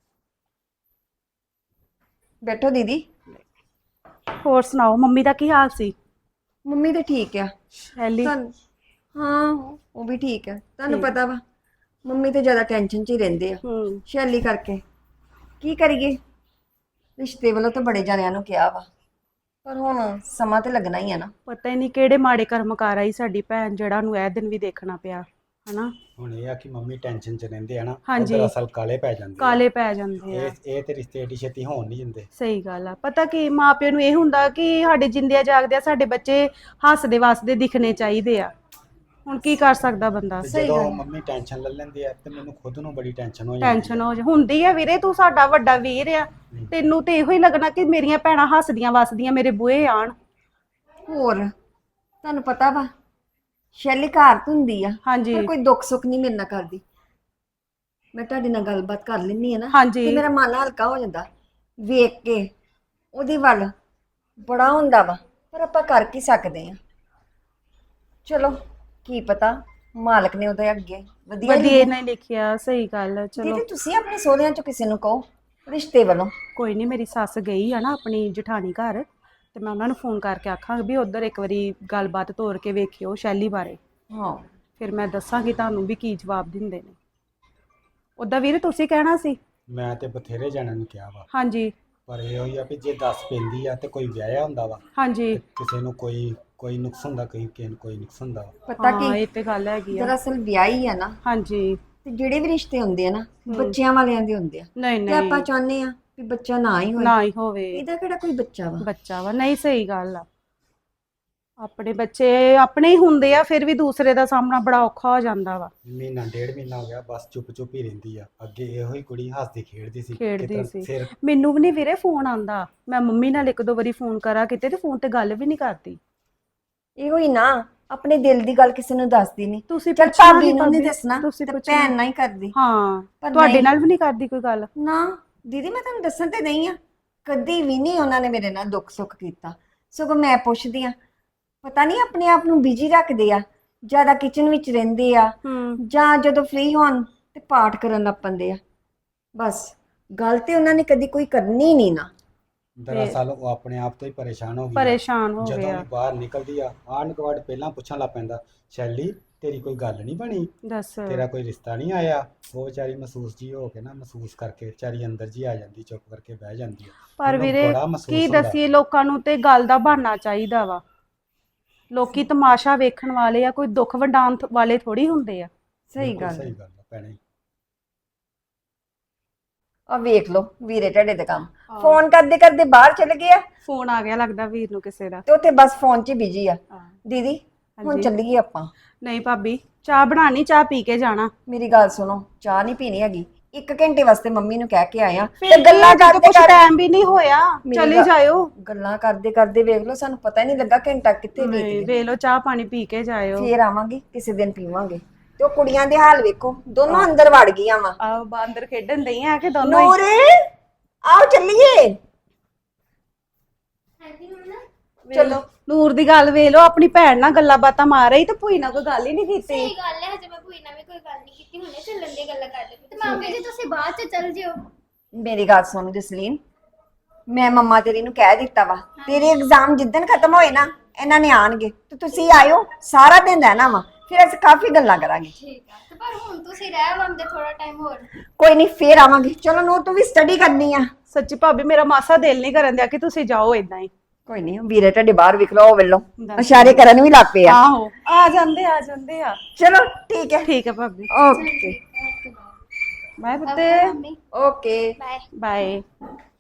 [SPEAKER 3] ਬੈਠੋ ਦੀਦੀ।
[SPEAKER 6] ਹੋਰ ਸੁਣਾਓ ਮੰਮੀ ਦਾ ਕੀ ਹਾਲ ਸੀ?
[SPEAKER 3] ਮੰਮੀ ਤਾਂ ਠੀਕ ਆ।
[SPEAKER 6] ਸ਼ੈਲੀ
[SPEAKER 3] ਤੁਹਾਨੂੰ- ਹਾਂ ਉਹ ਵੀ ਠੀਕ ਹੈ। ਤੁਹਾਨੂੰ
[SPEAKER 6] ਠੀਕ।
[SPEAKER 3] ਪਤਾ ਵਾ ਮੰਮੀ ਤੇ ਜ਼ਿਆਦਾ ਟੈਨਸ਼ਨ 'ਚ ਹੀ ਰਹਿੰਦੇ ਆ
[SPEAKER 6] ਹੂੰ
[SPEAKER 3] ਸ਼ੈਲੀ ਕਰਕੇ। ਕੀ ਕਰੀਏ, ਰਿਸ਼ਤੇ ਵੱਲੋਂ ਤਾਂ ਬੜੇ ਜਣਿਆਂ ਨੂੰ ਕਿਹਾ ਵਾ ਪਰ ਹੁਣ ਸਮਾਂ ਤੇ ਲੱਗਣਾ ਹੀ ਆ ਨਾ।
[SPEAKER 6] ਪਤਾ ਹੀ ਨਹੀਂ ਕਿਹੜੇ ਮਾੜੇ ਕਰਮ ਕਰ ਆਈ ਸਾਡੀ ਭੈਣ, ਜਿਹੜਾ ਨੂੰ ਇਹ ਦਿਨ ਵੀ ਦੇਖਣਾ ਪਿਆ ਹਨਾ।
[SPEAKER 2] ਹੁਣ ਇਹ ਆ ਕਿ ਮੰਮੀ ਟੈਨਸ਼ਨ 'ਚ ਰਹਿੰਦੇ ਆ ਨਾ,
[SPEAKER 6] ਹਾਂਜੀ।
[SPEAKER 2] ਉੱਧਰ ਅਸਲ ਕਾਲੇ ਪੈ ਜਾਂਦੇ ਆ।
[SPEAKER 6] ਕਾਲੇ ਪੈ ਜਾਂਦੇ ਆ।
[SPEAKER 2] ਇਹ ਇਹ ਤੇ ਰਿਸ਼ਤੇ ਏਡੀ ਛੇਤੀ ਹੋਣ ਨਹੀਂ ਦਿੰਦੇ।
[SPEAKER 6] ਸਹੀ ਗੱਲ ਆ। ਪਤਾ ਕੀ ਮਾਪਿਆਂ ਨੂੰ ਇਹ ਹੁੰਦਾ ਕਿ ਸਾਡੇ ਜਿੰਦਿਆਂ ਜਾਗਦਿਆਂ ਸਾਡੇ ਬੱਚੇ ਹੱਸਦੇ ਵਸਦੇ ਦਿਖਣੇ ਚਾਹੀਦੇ ਆ। ਹੁਣ ਕੀ ਕਰ ਸਕਦਾ ਬੰਦਾ।
[SPEAKER 2] ਤੇ
[SPEAKER 3] ਸਹੀ
[SPEAKER 2] ਜਦੋਂ
[SPEAKER 3] ਗੱਲ।
[SPEAKER 2] ਮੰਮੀ ਟੈਨਸ਼ਨ ਲੈ ਲੈਂਦੀ ਆ ਤੇ ਮੈਨੂੰ ਖੁਦ ਨੂੰ ਬੜੀ ਟੈਨਸ਼ਨ ਹੋ ਜਾਂਦੀ
[SPEAKER 6] ਟੈਨਸ਼ਨ ਹੋ ਜਾ ਹੁੰਦੀ ਆ ਵੀਰੇ, ਤੂੰ ਸਾਡਾ ਵੱਡਾ ਵੀਰ ਆ, ਤੈਨੂੰ ਤੇ ਇਹੋ ਹੀ ਲੱਗਣਾ ਕਿ ਮੇਰੀਆਂ ਭੈਣਾਂ ਹੱਸਦੀਆਂ ਵਸਦੀਆਂ ਮੇਰੇ ਬੂਹੇ ਆਣ।
[SPEAKER 3] ਹੋਰ ਤੁਹਾਨੂੰ ਪਤਾ ਵਾ ਸ਼ੈਲੀ ਘਰ ਤੋਂ ਹੁੰਦੀ ਆ,
[SPEAKER 6] ਹਾਂਜੀ
[SPEAKER 3] ਪਰ ਕੋਈ ਦੁੱਖ ਸੁੱਖ ਨਹੀਂ ਮੇਰੇ ਨਾਲ ਕਰਦੀ। ਮੈਂ ਤੁਹਾਡੇ ਨਾਲ ਗੱਲਬਾਤ ਕਰ ਲੈਂਦੀ ਆ ਨਾ
[SPEAKER 6] ਹਾਂਜੀ
[SPEAKER 3] ਤੇ ਮੇਰਾ ਮਨ ਹਲਕਾ ਹੋ ਜਾਂਦਾ ਵੇਖ ਕੇ ਉਹਦੇ ਵੱਲ। ਬੜਾ ਹੁੰਦਾ ਵਾ ਪਰ ਆਪਾਂ ਕਰ ਕੀ ਸਕਦੇ ਆ। ਚਲੋ ਕੀ ਪਤਾ ਮਾਲਕ ਨੇ ਉਹਦੇ ਅੱਗੇ ਵਧੀਆ
[SPEAKER 6] ਵਧੀਆ
[SPEAKER 3] ਲਿਖਿਆ।
[SPEAKER 6] ਨਹੀਂ ਲਿਖਿਆ, ਸਹੀ ਗੱਲ ਆ, ਚਲੋ
[SPEAKER 3] ਦੀਦੀ ਤੁਸੀਂ ਆਪਣੇ ਸਹੁਰਿਆਂ ਚੋਂ ਕਿਸੇ ਨੂੰ ਕਹੋ ਰਿਸ਼ਤੇ ਵੱਲੋਂ।
[SPEAKER 6] ਕੋਈ ਨਹੀਂ, ਮੇਰੀ ਸੱਸ ਗਈ ਆ ਨਾ ਆਪਣੀ ਜਠਾਣੀ ਘਰ, ਤੇ ਮੈਂ ਉਹਨਾਂ ਨੂੰ ਫੋਨ ਕਰਕੇ ਆਖਾਂਗੀ ਵੀ ਉਧਰ ਇੱਕ ਵਾਰੀ ਗੱਲਬਾਤ ਤੋਰ ਕੇ ਵੇਖਿਓ ਸ਼ੈਲੀ ਬਾਰੇ,
[SPEAKER 3] ਹਾਂ
[SPEAKER 6] ਫਿਰ ਮੈਂ ਦੱਸਾਂਗੀ ਤੁਹਾਨੂੰ ਵੀ ਕੀ ਜਵਾਬ ਦਿੰਦੇ ਨੇ। ਉਦਾਂ ਵੀਰੇ ਤੁਸੀਂ ਕਹਿਣਾ ਸੀ।
[SPEAKER 2] ਮੈਂ ਤੇ ਬਥੇਰੇ ਜਣਿਆਂ ਨੂੰ ਕਿਹਾ ਵਾ,
[SPEAKER 6] ਹਾਂਜੀ
[SPEAKER 2] ਪਰ ਇਹ ਹੋਈ ਆ ਵੀ ਜੇ ਦੱਸ ਪੈਂਦੀ ਆ ਤੇ ਕੋਈ ਵਿਆਹਿਆ ਹੁੰਦਾ ਵਾ,
[SPEAKER 6] ਹਾਂਜੀ
[SPEAKER 2] ਤੇ ਕਿਸੇ ਨੂੰ ਕੋਈ ਕੋਈ ਨੁਕਸ ਹੁੰਦਾ, ਕੋਈ ਕਿਸੇ ਨੂੰ ਕੋਈ ਨੁਕਸ ਹੁੰਦਾ ਵਾ।
[SPEAKER 3] ਪਤਾ
[SPEAKER 6] ਹਾਂ
[SPEAKER 3] ਕੀ
[SPEAKER 6] ਇਹ ਤੇ ਗੱਲ ਹੈਗੀ ਆ।
[SPEAKER 3] ਦਰਅਸਲ ਵਿਆਹੀ ਆ ਨਾ,
[SPEAKER 6] ਹਾਂਜੀ
[SPEAKER 3] ਤੇ ਜਿਹੜੇ ਵੀ ਰਿਸ਼ਤੇ ਹੁੰਦੇ ਆ ਨਾ ਬੱਚਿਆਂ ਵਾਲਿਆਂ ਦੇ ਹੁੰਦੇ ਆ,
[SPEAKER 6] ਨਹੀਂ
[SPEAKER 3] ਤੇ ਆਪਾਂ
[SPEAKER 6] ਨਹੀਂ
[SPEAKER 3] ਚਾਹੁੰਦੇ ਆ ਵੀ ਬੱਚਾ ਨਾ ਹੀ ਹੋਏ।
[SPEAKER 6] ਨਾ ਹੀ ਹੋਵੇ,
[SPEAKER 3] ਇਹਦਾ ਕਿਹੜਾ ਕੋਈ ਬੱਚਾ ਵਾ।
[SPEAKER 6] ਬੱਚਾ ਵਾ, ਨਹੀਂ ਸਹੀ ਗੱਲ ਆ। ਆਪਣੇ ਬੱਚੇ ਆਪਣੇ ਹੀ ਹੁੰਦੇ ਆ, ਫਿਰ ਵੀ ਦੂਸਰੇ ਦਾ ਸਾਹਮਣਾ ਬੜਾ ਔਖਾ ਹੋ ਜਾਂਦਾ ਵਾ।
[SPEAKER 2] ਮਹੀਨਾ ਡੇਢ ਮਹੀਨਾ ਹੋ ਗਿਆ ਬਸ ਚੁੱਪ ਚੁੱਪ ਹੀ ਰਹਿੰਦੀ ਆ। ਅੱਗੇ ਇਹੋ ਹੀ ਕੁੜੀ ਹੱਸਦੀ ਖੇਡਦੀ ਸੀ,
[SPEAKER 6] ਖੇਡਦੀ
[SPEAKER 2] ਕਿਤੇ
[SPEAKER 6] ਸੀ।
[SPEAKER 2] ਫਿਰ
[SPEAKER 6] ਮੈਨੂੰ ਵੀ ਨਹੀਂ ਵੀਰੇ ਫੋਨ ਆਂਦਾ, ਮੈਂ ਮੰਮੀ ਨਾਲ ਇੱਕ ਦੋ ਵਾਰੀ ਫੋਨ ਕਰਾ ਕਿਤੇ ਤੇ ਫੋਨ ਤੇ ਗੱਲ ਵੀ ਨਹੀਂ ਕਰਦੀ।
[SPEAKER 3] ਇਹੋ ਹੀ ਨਾ, ਆਪਣੇ ਦਿਲ ਦੀ ਗੱਲ ਕਿਸੇ ਨੂੰ ਦੱਸਦੀ ਨਹੀਂ।
[SPEAKER 6] ਤੁਸੀਂ
[SPEAKER 3] ਚਲ
[SPEAKER 6] ਪੁੱਛਣਾ
[SPEAKER 3] ਭਾਬੀ
[SPEAKER 6] ਨੀ
[SPEAKER 3] ਨੂੰ ਨਹੀਂ
[SPEAKER 6] ਭਾਬੀ,
[SPEAKER 3] ਦੱਸਣਾ
[SPEAKER 6] ਤੁਸੀਂ
[SPEAKER 3] ਤੇ
[SPEAKER 6] ਪੁੱਛਣਾ।
[SPEAKER 3] ਭੈਣ ਨਾਲ ਹੀ ਕਰਦੀ।
[SPEAKER 6] ਹਾਂ
[SPEAKER 3] ਪਰ
[SPEAKER 6] ਤੁਹਾਡੇ
[SPEAKER 3] ਨਹੀਂ।
[SPEAKER 6] ਨਾਲ ਵੀ ਨਹੀਂ ਕਰਦੀ ਕੋਈ ਗੱਲ।
[SPEAKER 3] ਨਾ ਦੀਦੀ ਮੈਂ ਤੁਹਾਨੂੰ ਦੱਸਣ ਤੇ ਨਹੀਂ ਆ, ਕਦੀ ਵੀ ਨਹੀਂ ਉਹਨਾਂ ਨੇ ਮੇਰੇ ਨਾਲ ਦੁੱਖ ਸੁੱਖ ਕੀਤਾ। ਸਗੋਂ ਮੈਂ ਪੁੱਛਦੀ ਆ, ਪਤਾ ਨਹੀਂ ਆਪਣੇ ਆਪ ਨੂੰ ਬਿਜੀ ਰੱਖਦੇ ਆ, ਜ਼ਿਆਦਾ ਕਿਚਨ ਵਿੱਚ ਰਹਿੰਦੇ ਆ,
[SPEAKER 6] ਹੂੰ
[SPEAKER 3] ਜਾਂ ਜਦੋਂ ਫ੍ਰੀ ਹੋਣ ਤੇ ਪਾਠ ਕਰਨ ਲੱਗ ਪੈਂਦੇ ਆ। ਬਸ ਗੱਲ ਤੇ ਉਹਨਾਂ ਨੇ ਕਦੀ ਕੋਈ ਕਰਨੀ ਨਹੀਂ ਨਾ।
[SPEAKER 2] ਦਰਅਸਲ ਉਹ ਆਪਣੇ ਆਪ ਤੋਂ ਹੀ ਪਰੇਸ਼ਾਨ ਹੋ ਗਈ ਆ।
[SPEAKER 6] ਪਰੇਸ਼ਾਨ ਹੋ
[SPEAKER 2] ਜਦੋਂ
[SPEAKER 6] ਗਿਆ।
[SPEAKER 2] ਵੀ ਬਾਹਰ ਨਿਕਲਦੀ ਆ ਆਂਢ ਗੁਆਂਢ ਪਹਿਲਾਂ ਪੁੱਛਣ ਲੱਗ ਪੈਂਦਾ, ਸ਼ੈਲੀ ਤੇਰੀ ਕੋਈ ਗੱਲ ਨਹੀਂ ਬਣੀ,
[SPEAKER 6] ਦੱਸ
[SPEAKER 2] ਤੇਰਾ ਕੋਈ ਰਿਸ਼ਤਾ ਨਹੀਂ ਆਇਆ। ਉਹ ਵਿਚਾਰੀ ਮਹਿਸੂਸ ਜੀ ਹੋ ਕੇ ਨਾ, ਮਹਿਸੂਸ ਕਰਕੇ ਵਿਚਾਰੀ ਅੰਦਰ ਜੀ ਆ ਜਾਂਦੀ, ਚੁੱਪ ਕਰਕੇ ਬਹਿ ਜਾਂਦੀ ਆ।
[SPEAKER 6] ਪਰ
[SPEAKER 2] ਮੈਨੂੰ
[SPEAKER 6] ਵੀਰੇ
[SPEAKER 2] ਬੜਾ ਮਹਿਸੂਸ
[SPEAKER 6] ਕੀ
[SPEAKER 2] ਹੁੰਦਾ।
[SPEAKER 6] ਦਸੀਏ, ਲੋਕਾਂ ਨੂੰ ਤੇ ਗੱਲ ਦਾ ਬਹਾਨਾ ਚਾਹੀਦਾ ਵਾ। ਲੋਕੀ ਤਮਾਸ਼ਾ ਵੇਖਣ ਵਾਲੇ ਆ, ਕੋਈ ਦੁੱਖ ਵੰਡਾਉਣ ਥ- ਵਾਲੇ ਥੋੜੀ ਹੁੰਦੇ ਆ।
[SPEAKER 3] ਸਹੀ
[SPEAKER 2] ਬਿਲਕੁਲ
[SPEAKER 3] ਗੱਲ
[SPEAKER 2] ਸਹੀ
[SPEAKER 3] ਹੈ।
[SPEAKER 2] ਗੱਲ ਆ ਭੈਣੇ।
[SPEAKER 3] ਆ ਵੇਖ ਲਓ ਵੀਰੇ ਤੁਹਾਡੇ ਦੇ ਕੰਮ, ਫੋਨ ਕਰਦੇ ਕਰਦੇ ਬਾਹਰ ਚਲੇ ਗਏ ਆ
[SPEAKER 6] ਫੋਨ ਆ ਗਿਆ ਲੱਗਦਾ ਵੀਰ ਨੂੰ ਕਿਸੇ ਦਾ।
[SPEAKER 3] ਤੇ ਉੱਥੇ ਬਸ ਫੋਨ 'ਚ ਬਿਜੀ ਆ। ਦੀਦੀ ਹੁਣ
[SPEAKER 6] ਹਾਂਜੀ।
[SPEAKER 3] ਚੱਲੀਏ ਆਪਾਂ।
[SPEAKER 6] ਨਹੀਂ ਭਾਬੀ, ਚਾਹ ਬਣਾਣੀ, ਚਾਹ ਪੀ ਕੇ ਜਾਣਾ।
[SPEAKER 3] ਮੇਰੀ ਗੱਲ ਸੁਣੋ, ਚਾਹ ਨਹੀਂ ਪੀਣੀ ਹੈਗੀ। ਇੱਕ ਘੰਟੇ ਵਾਸਤੇ ਮੰਮੀ ਨੂੰ ਕਹਿ ਕੇ ਆਇਆ
[SPEAKER 6] ਫਿਰ
[SPEAKER 3] ਤੇ ਗੱਲਾਂ
[SPEAKER 6] ਜਦੋਂ
[SPEAKER 3] ਕਰਦੇ
[SPEAKER 6] ਕੁਝ
[SPEAKER 3] ਕਰਦੇ
[SPEAKER 6] ਟਾਈਮ ਵੀ ਨਹੀਂ ਹੋਇਆ,
[SPEAKER 3] ਮੇਰੀ
[SPEAKER 6] ਚਲੇ
[SPEAKER 3] ਗੱਲ-
[SPEAKER 6] ਜਾਇਓ।
[SPEAKER 3] ਗੱਲਾਂ ਕਰਦੇ ਕਰਦੇ ਵੇਖ ਲਓ, ਸਾਨੂੰ ਪਤਾ ਹੀ ਨਹੀਂ ਲੱਗਾ ਘੰਟਾ ਕਿੱਥੇ ਬੀਤ
[SPEAKER 6] ਨਹੀਂ
[SPEAKER 3] ਗਿਆ।
[SPEAKER 6] ਵੇਖ ਲਓ, ਚਾਹ ਪਾਣੀ ਪੀ ਕੇ ਜਾਇਓ।
[SPEAKER 3] ਫੇਰ ਆਵਾਂਗੇ ਕਿਸੇ ਦਿਨ ਪੀਵਾਂਗੇ। ਤੇ ਉਹ ਕੁੜੀਆਂ ਦੇ ਹਾਲ ਵੇਖੋ, ਦੋਨੋਂ ਅੰਦਰ ਵੜ ਗਈਆਂ ਵਾ।
[SPEAKER 6] ਆਹ ਬਾਂਦਰ ਖੇਡਣ ਦਈ ਆ ਕਿ ਦੋਨੋਂ ਹੀ।
[SPEAKER 3] ਨੂਰ ਆਓ ਚੱਲੀਏ।
[SPEAKER 6] ਚਲੋ ਨੂਰ ਦੀ ਗੱਲ ਵੇਖ ਲਓ, ਆਪਣੀ ਭੈਣ ਨਾਲ ਗੱਲਾਂ ਬਾਤਾਂ ਮਾਰ ਰਹੀ ਤੇ ਭੂਈ ਨਾਲ ਕੋਈ ਗੱਲ ਹੀ ਨਹੀਂ ਕੀਤੀ।
[SPEAKER 4] ਸਹੀ ਗੱਲ ਹੈ, ਹਜੇ ਮੈਂ ਕੋਈ ਨਾ ਵੀ ਕੋਈ ਗੱਲ ਨਹੀਂ ਕੀਤੀ, ਹੁਣੇ ਚੱਲਣ ਦੀ ਗੱਲਾਂ ਕਰਦੇ ਤੇ ਮਾਮੀ ਜੀ ਤੁਸੀਂ ਬਾਅਦ ਚ ਚੱਲ ਜਿਓ।
[SPEAKER 3] ਮੇਰੀ ਗੱਲ ਸੁਣ ਜਸਲੀਨ, ਮੈਂ ਮੰਮਾ ਤੇਰੀ ਨੂੰ ਕਹਿ ਦਿੱਤਾ ਵਾ, ਤੇਰੇ ਐਗਜ਼ਾਮ ਜਿੱਦਣ ਖਤਮ ਹੋਏ ਨਾ ਇਹਨਾਂ ਨੇ ਆਣਗੇ ਤੇ ਤੁਸੀਂ ਆਇਓ, ਸਾਰਾ ਦਿਨ ਰਹਿਣਾ ਵਾ, ਫਿਰ ਅਸੀਂ ਕਾਫੀ ਗੱਲਾਂ ਕਰਾਂਗੇ।
[SPEAKER 4] ਠੀਕ ਆ, ਤੇ ਪਰ ਹੁਣ ਤੁਸੀਂ ਰਹਿ ਲੰਦੇ ਥੋੜਾ ਟਾਈਮ ਹੋਰ।
[SPEAKER 3] ਕੋਈ ਨਹੀਂ ਫੇਰ ਆਵਾਂਗੇ। ਚਲੋ ਨੂਰ ਤੂੰ ਵੀ ਸਟੱਡੀ ਕਰਨੀ ਆ।
[SPEAKER 6] ਸੱਚੀ ਭਾਬੀ, ਮੇਰਾ ਮਾਸਾ ਦਿਲ ਨਹੀਂ ਕਰਨ ਦਿਆ ਕਿ ਤੁਸੀਂ ਜਾਓ ਇਦਾਂ ਹੀ।
[SPEAKER 3] ਕੋਈ ਨਹੀਂ ਵੀਰੇ ਤੁਹਾਡੇ ਬਾਹਰ ਵਿਖ ਲਓ, ਉਹ ਵੇਲੋ
[SPEAKER 6] ਦੱਸ।
[SPEAKER 3] ਇਸ਼ਾਰੇ ਕਰਨ ਵੀ ਲੱਗ ਪਏ ਆ।
[SPEAKER 6] ਆਹੋ ਆ ਜਾਂਦੇ ਆ ਜਾਂਦੇ ਆ।
[SPEAKER 3] ਚਲੋ ਠੀਕ ਹੈ।
[SPEAKER 6] ਠੀਕ ਹੈ ਭਾਬੀ,
[SPEAKER 3] ਓਕੇ
[SPEAKER 6] ਬਾਏ
[SPEAKER 4] ਓਕੇ
[SPEAKER 6] ਪੁੱਤੇ,
[SPEAKER 4] ਮੰਮੀ,
[SPEAKER 3] ਓਕੇ
[SPEAKER 4] ਬਾਏ।
[SPEAKER 6] ਬਾਏ।